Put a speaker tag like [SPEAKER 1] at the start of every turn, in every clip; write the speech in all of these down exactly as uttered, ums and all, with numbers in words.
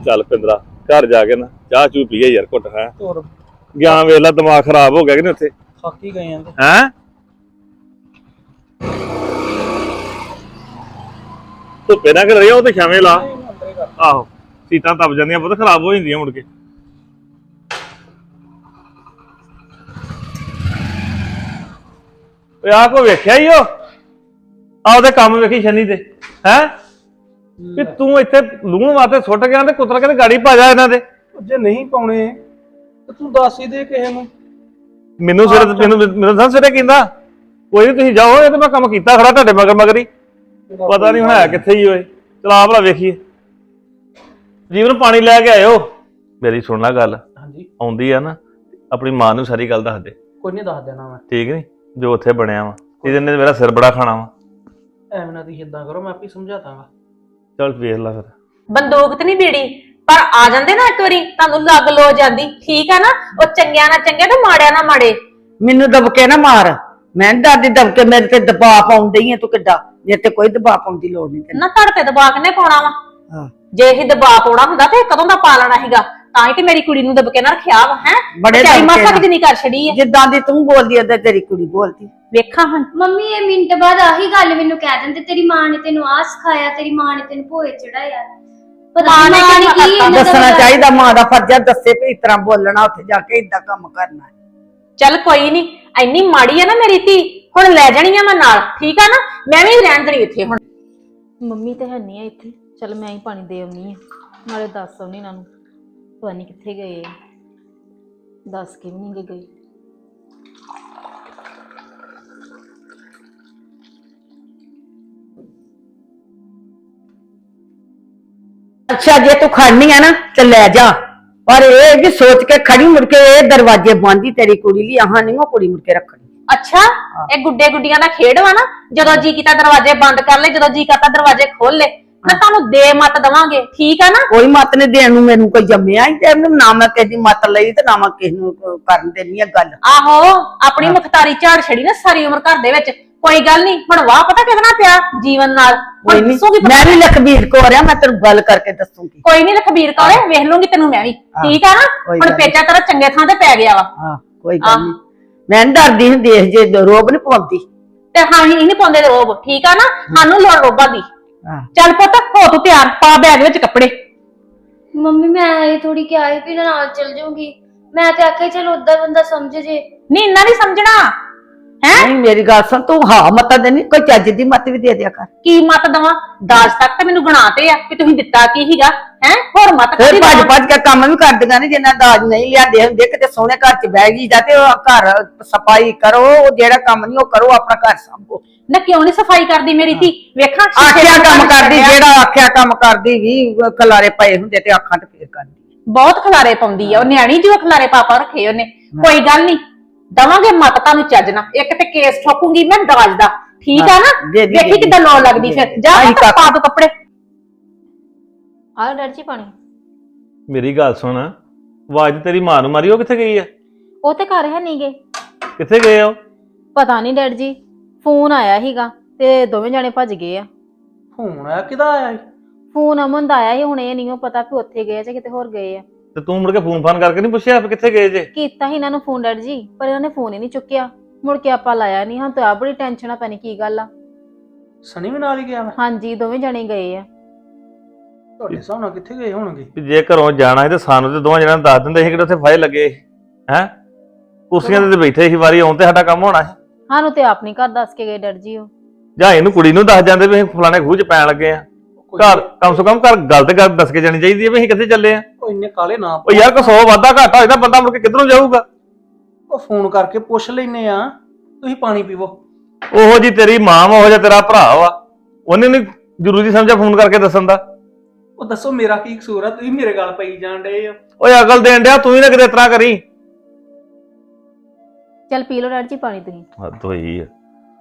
[SPEAKER 1] ਚੱਲ ਪਿੰਦਰਾ घर जाके ना चाह चू पीए यार घुट है
[SPEAKER 2] और
[SPEAKER 1] गया वेला दिमाग खराब हो गया कि नहीं उत्थे
[SPEAKER 2] थक ही गए हैं
[SPEAKER 1] हैं धुप्पे ना कर रही हो तो छावें ला आहो सीटां तप जांदियां बहुत खराब हो जांदियां मुड़ के ओए आ को वेख्या ही हो आ ओदे काम वेखी शनी दे हैं कि तू इत्थे लूण वास्ते सुट गया ते कुतर के गाड़ी पा जा इन्हां दे
[SPEAKER 2] जे नहीं पाउणे ते तू दस ही दे किसे नूं
[SPEAKER 1] ਮੈਨੂੰ ਸਿਰ ਮੈਨੂੰ ਮੈਨੂੰ ਤਾਂ ਸਿਰੇ ਕਹਿੰਦਾ ਕੋਈ ਨਹੀਂ ਤੁਸੀਂ ਜਾਓ ਇਹ ਤਾਂ ਮੈਂ ਕੰਮ ਕੀਤਾ ਖੜਾ ਤੁਹਾਡੇ ਮਗਰ ਮਗਰ ਹੀ ਪਤਾ ਨਹੀਂ ਹੋਇਆ ਕਿੱਥੇ ਹੀ ਓਏ ਚਲਾ ਭਲਾ ਵੇਖੀਏ ਜੀਵਨ ਪਾਣੀ ਲੈ ਕੇ ਆਇਓ ਮੇਰੀ ਸੁਣ ਲੈ ਗੱਲ
[SPEAKER 2] ਹਾਂਜੀ
[SPEAKER 1] ਆਉਂਦੀ ਆ ਨਾ ਆਪਣੀ ਮਾਂ ਨੂੰ ਸਾਰੀ ਗੱਲ ਦੱਸ ਦੇ
[SPEAKER 2] ਕੋਈ ਨਹੀਂ ਦੱਸ ਦੇਣਾ ਮੈਂ
[SPEAKER 1] ਠੀਕ ਨਹੀਂ ਜੋ ਉੱਥੇ ਬਣਿਆ ਵਾ ਇਹਦੇ ਨੇ ਮੇਰਾ ਸਿਰ ਬੜਾ ਖਾਣਾ ਵਾ
[SPEAKER 2] ਐਵੇਂ ਨਾ ਤੁਸੀਂ ਇਦਾਂ ਕਰੋ ਮੈਂ ਆਪੇ ਸਮਝਾ ਦਾਂਗਾ
[SPEAKER 1] ਚੱਲ ਵੇਖ ਲੈ ਫਿਰ
[SPEAKER 3] ਬੰਦੂਕ ਤੇ ਨਹੀਂ ਬੀੜੀ पर आ जाते ना एक बारी तुहानू लग लो जाती ठीक है ना वो चंगिया ना चंगे ते माड़िया ना माड़े
[SPEAKER 4] मैनू दबके ना मार मैं डरदी दबके मेरे ते दबाव पाउण डई है तू किड्डा मेरे ते कोई दबाव पाउण दी लोड़ नहीं
[SPEAKER 3] ना तुहाडे ते दबाव किन्ने पाउणा वा
[SPEAKER 4] हां
[SPEAKER 3] जे ही दबाव पाउणा हुंदा ते कदों दा पा लेना सीगा तां ही ते मेरी कुड़ी नू दबके ना रखिया वा हैं
[SPEAKER 4] बड़े
[SPEAKER 3] तेरी मासा कितनी कर छड़ी है
[SPEAKER 4] जिद्दां दी तू बोलदी अदे तेरी कुड़ी बोलदी
[SPEAKER 3] वेखा हां
[SPEAKER 5] मम्मी ये मिनट बाद आही गल मैनू कह दिंदे तेरी मां ने तेनू आ सिखाया तेरी मां ने तेनू भोए चढ़ाया
[SPEAKER 3] मां ने की
[SPEAKER 4] दसना चाहिए मां दा फर्ज है दसे भी इस तरह बोलना उत्थे जाके इदा काम करना
[SPEAKER 3] चल कोई नहीं इन्नी माड़ी है ना मेरी धी हुण ले जानी है मैं नाल ठीक है ना मैं भी रहन देनी इत्थे हुण
[SPEAKER 6] ਮੰਮੀ ਤੇ ਹੈ ਨਹੀਂ ਆ ਇੱਥੇ ਚਲ ਮੈਂ ਹੀ ਪਾਣੀ ਦੇ ਆਉਣੀ ਆ ਨਾਲੇ ਦੱਸ ਆਉਣੀ ਇਹਨਾਂ ਨੂੰ ਪਤਾ ਨਹੀਂ ਕਿੱਥੇ ਗਏ ਆ ਦੱਸ ਕੇ ਵੀ ਨਹੀਂ ਗਏ
[SPEAKER 4] अच्छा जे तू खड़नी है ना तो ले जा पर ये भी सोच के खड़ी मुड़ के ये दरवाजे बंद ही तेरी कुड़ी ली अहां नहीं वो कुड़ी मुड़ के रखनी
[SPEAKER 3] अच्छा ये गुड्डे गुड्डियां दा खेड वा ना जदों जी कीता दरवाजे बंद कर ले जदों जी करता दरवाजे खोल ले मैं तानू दे मत दवांगे ठीक है ना
[SPEAKER 4] कोई मत ने देन नूं मैनू कोई जम्मिया ही ते ना मैं किसी मत लई ते ना मैं किसी नूं करन देनी है गल
[SPEAKER 3] आहो अपनी मुख्तारी झाड़ छड़ी ना सारी उम्र घर दे विच कोई गल नहीं हुण वाह पता कितना पिया जीवन नाल
[SPEAKER 4] मैं भी लखबीर को रहा मैं तेनू गल करके दसूंगी
[SPEAKER 3] कोई नहीं लखबीर कौरे वेख लूंगी तेनू मैं भी ठीक है ना हुण पेचा तेरा चंगे थां ते पै गया वा
[SPEAKER 4] हां कोई गल नहीं मैं डरदी हुंदी देख जे रोब नहीं पाउंदी
[SPEAKER 3] ते हां ही नहीं पाउंदे रोब ठीक है ना सानू लोड़ रोबा दी
[SPEAKER 4] हां
[SPEAKER 3] चल पुੱਤ हो तू तैयार पा बैग विच कपड़े
[SPEAKER 5] मम्मी मैं आई थोड़ी क्या आई भी नाल चल जाऊंगी मैं ते आखे चल उदा बंदा समझ जे
[SPEAKER 3] नहीं इन्ना नहीं समझना
[SPEAKER 4] नहीं मेरी गल सुन तू हां मत देनी कोई चज दी मत भी दे दिया कर
[SPEAKER 3] की मत दवा दाज तक ते मैनू गणाते आ कि तुसीं दित्ता की हीगा हैं होर मत
[SPEAKER 4] फिर भज भज के काम भी कर दियां ने जिन्ना दाज नहीं लियादे हुंदे किते सोहणे घर च बैठ जी जाते घर सफाई करो जेड़ा काम नहीं ओ करो अपना घर संभो
[SPEAKER 3] ना क्यों नहीं सफाई करदी मेरी धी वेखा
[SPEAKER 4] आखिया काम करदी जेड़ा आखिया काम करदी भी खलारे पए हुंदे ते आखां ते फिर करदी
[SPEAKER 3] बहुत खलारे पाउंदी आ ओ न्याणी जो खलारे पापा रखे ओने कोई गल नहीं दवांगे मत तानू चजना एक ते केस ठोकूंगी मैं दाज दा ठीक है ना देखी कितना लो लगदी फिर जा पा दो कपड़े
[SPEAKER 6] ਆ ਡਰ ਜੀ ਪਾਣੀ
[SPEAKER 1] ਮੇਰੀ ਗੱਲ ਸੁਣ ਆਵਾਜ਼ ਤੇਰੀ ਮਾਂ ਨੂੰ ਮਾਰੀ ਉਹ ਕਿੱਥੇ ਗਈ ਆ
[SPEAKER 6] ਉਹ ਤੇ ਘਰ ਹੈ ਨਹੀਂ ਗਏ
[SPEAKER 1] ਕਿੱਥੇ ਗਏ ਉਹ
[SPEAKER 6] ਪਤਾ ਨਹੀਂ ਡੈਡ ਜੀ ਫੋਨ ਆਇਆ ਸੀਗਾ ਤੇ ਦੋਵੇਂ ਜਾਣੇ ਭੱਜ ਗਏ ਆ
[SPEAKER 2] ਫੋਨ ਆਇਆ ਕਿਦਾ ਆਇਆ
[SPEAKER 6] ਫੋਨ ਅਮਨ ਦਾ ਆਇਆ ਸੀ ਹੁਣ ਇਹ ਨਹੀਂ ਪਤਾ ਕਿ ਉੱਥੇ ਗਏ ਜਾਂ ਕਿਤੇ ਹੋਰ ਗਏ ਆ
[SPEAKER 1] ਤੇ ਤੂੰ ਮੁੜ ਕੇ ਫੋਨ ਫਾਨ ਕਰਕੇ ਨਹੀਂ ਪੁੱਛਿਆ ਵੀ ਕਿੱਥੇ ਗਏ ਜੇ
[SPEAKER 6] ਕੀਤਾ ਸੀ ਇਹਨਾਂ ਨੂੰ ਫੋਨ ਡੈਡ ਜੀ ਪਰ ਇਹਨਾਂ ਨੇ ਫੋਨ ਹੀ ਨਹੀਂ ਚੁੱਕਿਆ ਮੁੜ ਕੇ ਆਪਾਂ ਲਾਇਆ ਨਹੀਂ ਹਾਂ ਤਾਂ ਆ ਬੜੀ ਟੈਨਸ਼ਨ ਆ ਪੈਣੀ ਕੀ ਗੱਲ ਆ
[SPEAKER 2] ਸਣੀ ਵੀ ਨਾਲ ਹੀ ਗਿਆ ਮੈਂ
[SPEAKER 6] ਹਾਂਜੀ ਦੋਵੇਂ ਜਾਣੇ ਗਏ ਆ
[SPEAKER 2] ਤੁਹਾਡੇ ਹਿਸਾਬ ਨਾਲ ਕਿੱਥੇ ਗਏ ਹੋਣਗੇ
[SPEAKER 1] ਵੀ ਜੇ ਘਰੋਂ ਜਾਣਾ ਹੈ ਤੇ ਸਾਨੂੰ ਤੇ ਦੋਵਾਂ ਜਣਾਂ ਨੂੰ ਦੱਸ ਦਿੰਦੇ ਸੀ ਕਿ ਉੱਥੇ ਫਾਇਲ ਲੱਗੇ ਹੈ ਕੁਰਸੀਆਂ ਤੇ ਬੈਠੇ ਸੀ ਵਾਰੀ ਆਉਣ ਤੇ ਸਾਡਾ ਕੰਮ ਹੋਣਾ ਸੀ
[SPEAKER 6] ਸਾਨੂੰ ਤੇ ਆਪ ਨਹੀਂ ਘਰ ਦੱਸ ਕੇ ਗਏ ਡੈਡ ਜੀ ਉਹ
[SPEAKER 1] ਜਾਂ ਇਹਨੂੰ ਕੁੜੀ ਨੂੰ ਦੱਸ ਜਾਂਦੇ ਵੀ ਅਸੀਂ ਫਲਾਣੇ ਖੂਹ 'ਚ ਪੈਣ ਲੱਗੇ ਆ ਘਰ ਕਮ ਸੇ ਕਮ ਘਰ ਗੱਲ ਤੇ ਗੱਲ ਦੱਸ ਕੇ ਜਾਣੀ ਚਾਹੀਦੀ ਹੈ ਵੀ ਅਸੀਂ ਕਿੱਥੇ ਚੱਲੇ ਆ
[SPEAKER 2] ਉਹ ਇੰਨੇ ਕਾਲੇ ਨਾ
[SPEAKER 1] ਉਹ ਯਾਰ ਕੋ ਸੌ ਵਾਧਾ ਘਾਟਾ ਹੋਇਆ ਬੰਦਾ ਮੁੜ ਕੇ ਕਿੱਧਰੋਂ ਜਾਊਗਾ
[SPEAKER 2] ਉਹ ਫੋਨ ਕਰਕੇ ਪੁੱਛ ਲੈਨੇ ਆ ਤੁਸੀਂ ਪਾਣੀ ਪੀਵੋ
[SPEAKER 1] ਉਹੋ ਜੀ ਤੇਰੀ ਮਾਂ ਵਾ ਉਹ ਜਿਹਾ ਤੇਰਾ ਭਰਾ ਵਾ ਉਹਨੇ ਨਹੀਂ ਜ਼ਰੂਰੀ ਸਮਝਿਆ ਫੋਨ ਕਰਕੇ ਦੱਸਣ ਦਾ
[SPEAKER 2] ਉਹ ਦੱਸੋ ਮੇਰਾ ਕੀ ਕਸੂਰ ਆ ਤੁਸੀਂ ਮੇਰੇ ਗੱਲ ਪਈ ਜਾਣ ਡਏ ਹੋ
[SPEAKER 1] ਓਏ ਅਕਲ ਦੇਣ ਡਿਆ ਤੂੰ ਹੀ ਨਾ ਕਿਤੇ ਇਤਰਾ ਕਰੀ
[SPEAKER 6] ਚੱਲ ਪੀ ਲਓ ਡੈਡ ਜੀ ਪਾਣੀ ਤੁਸੀਂ
[SPEAKER 1] ਹੱਦ ਹੋਈ ਆ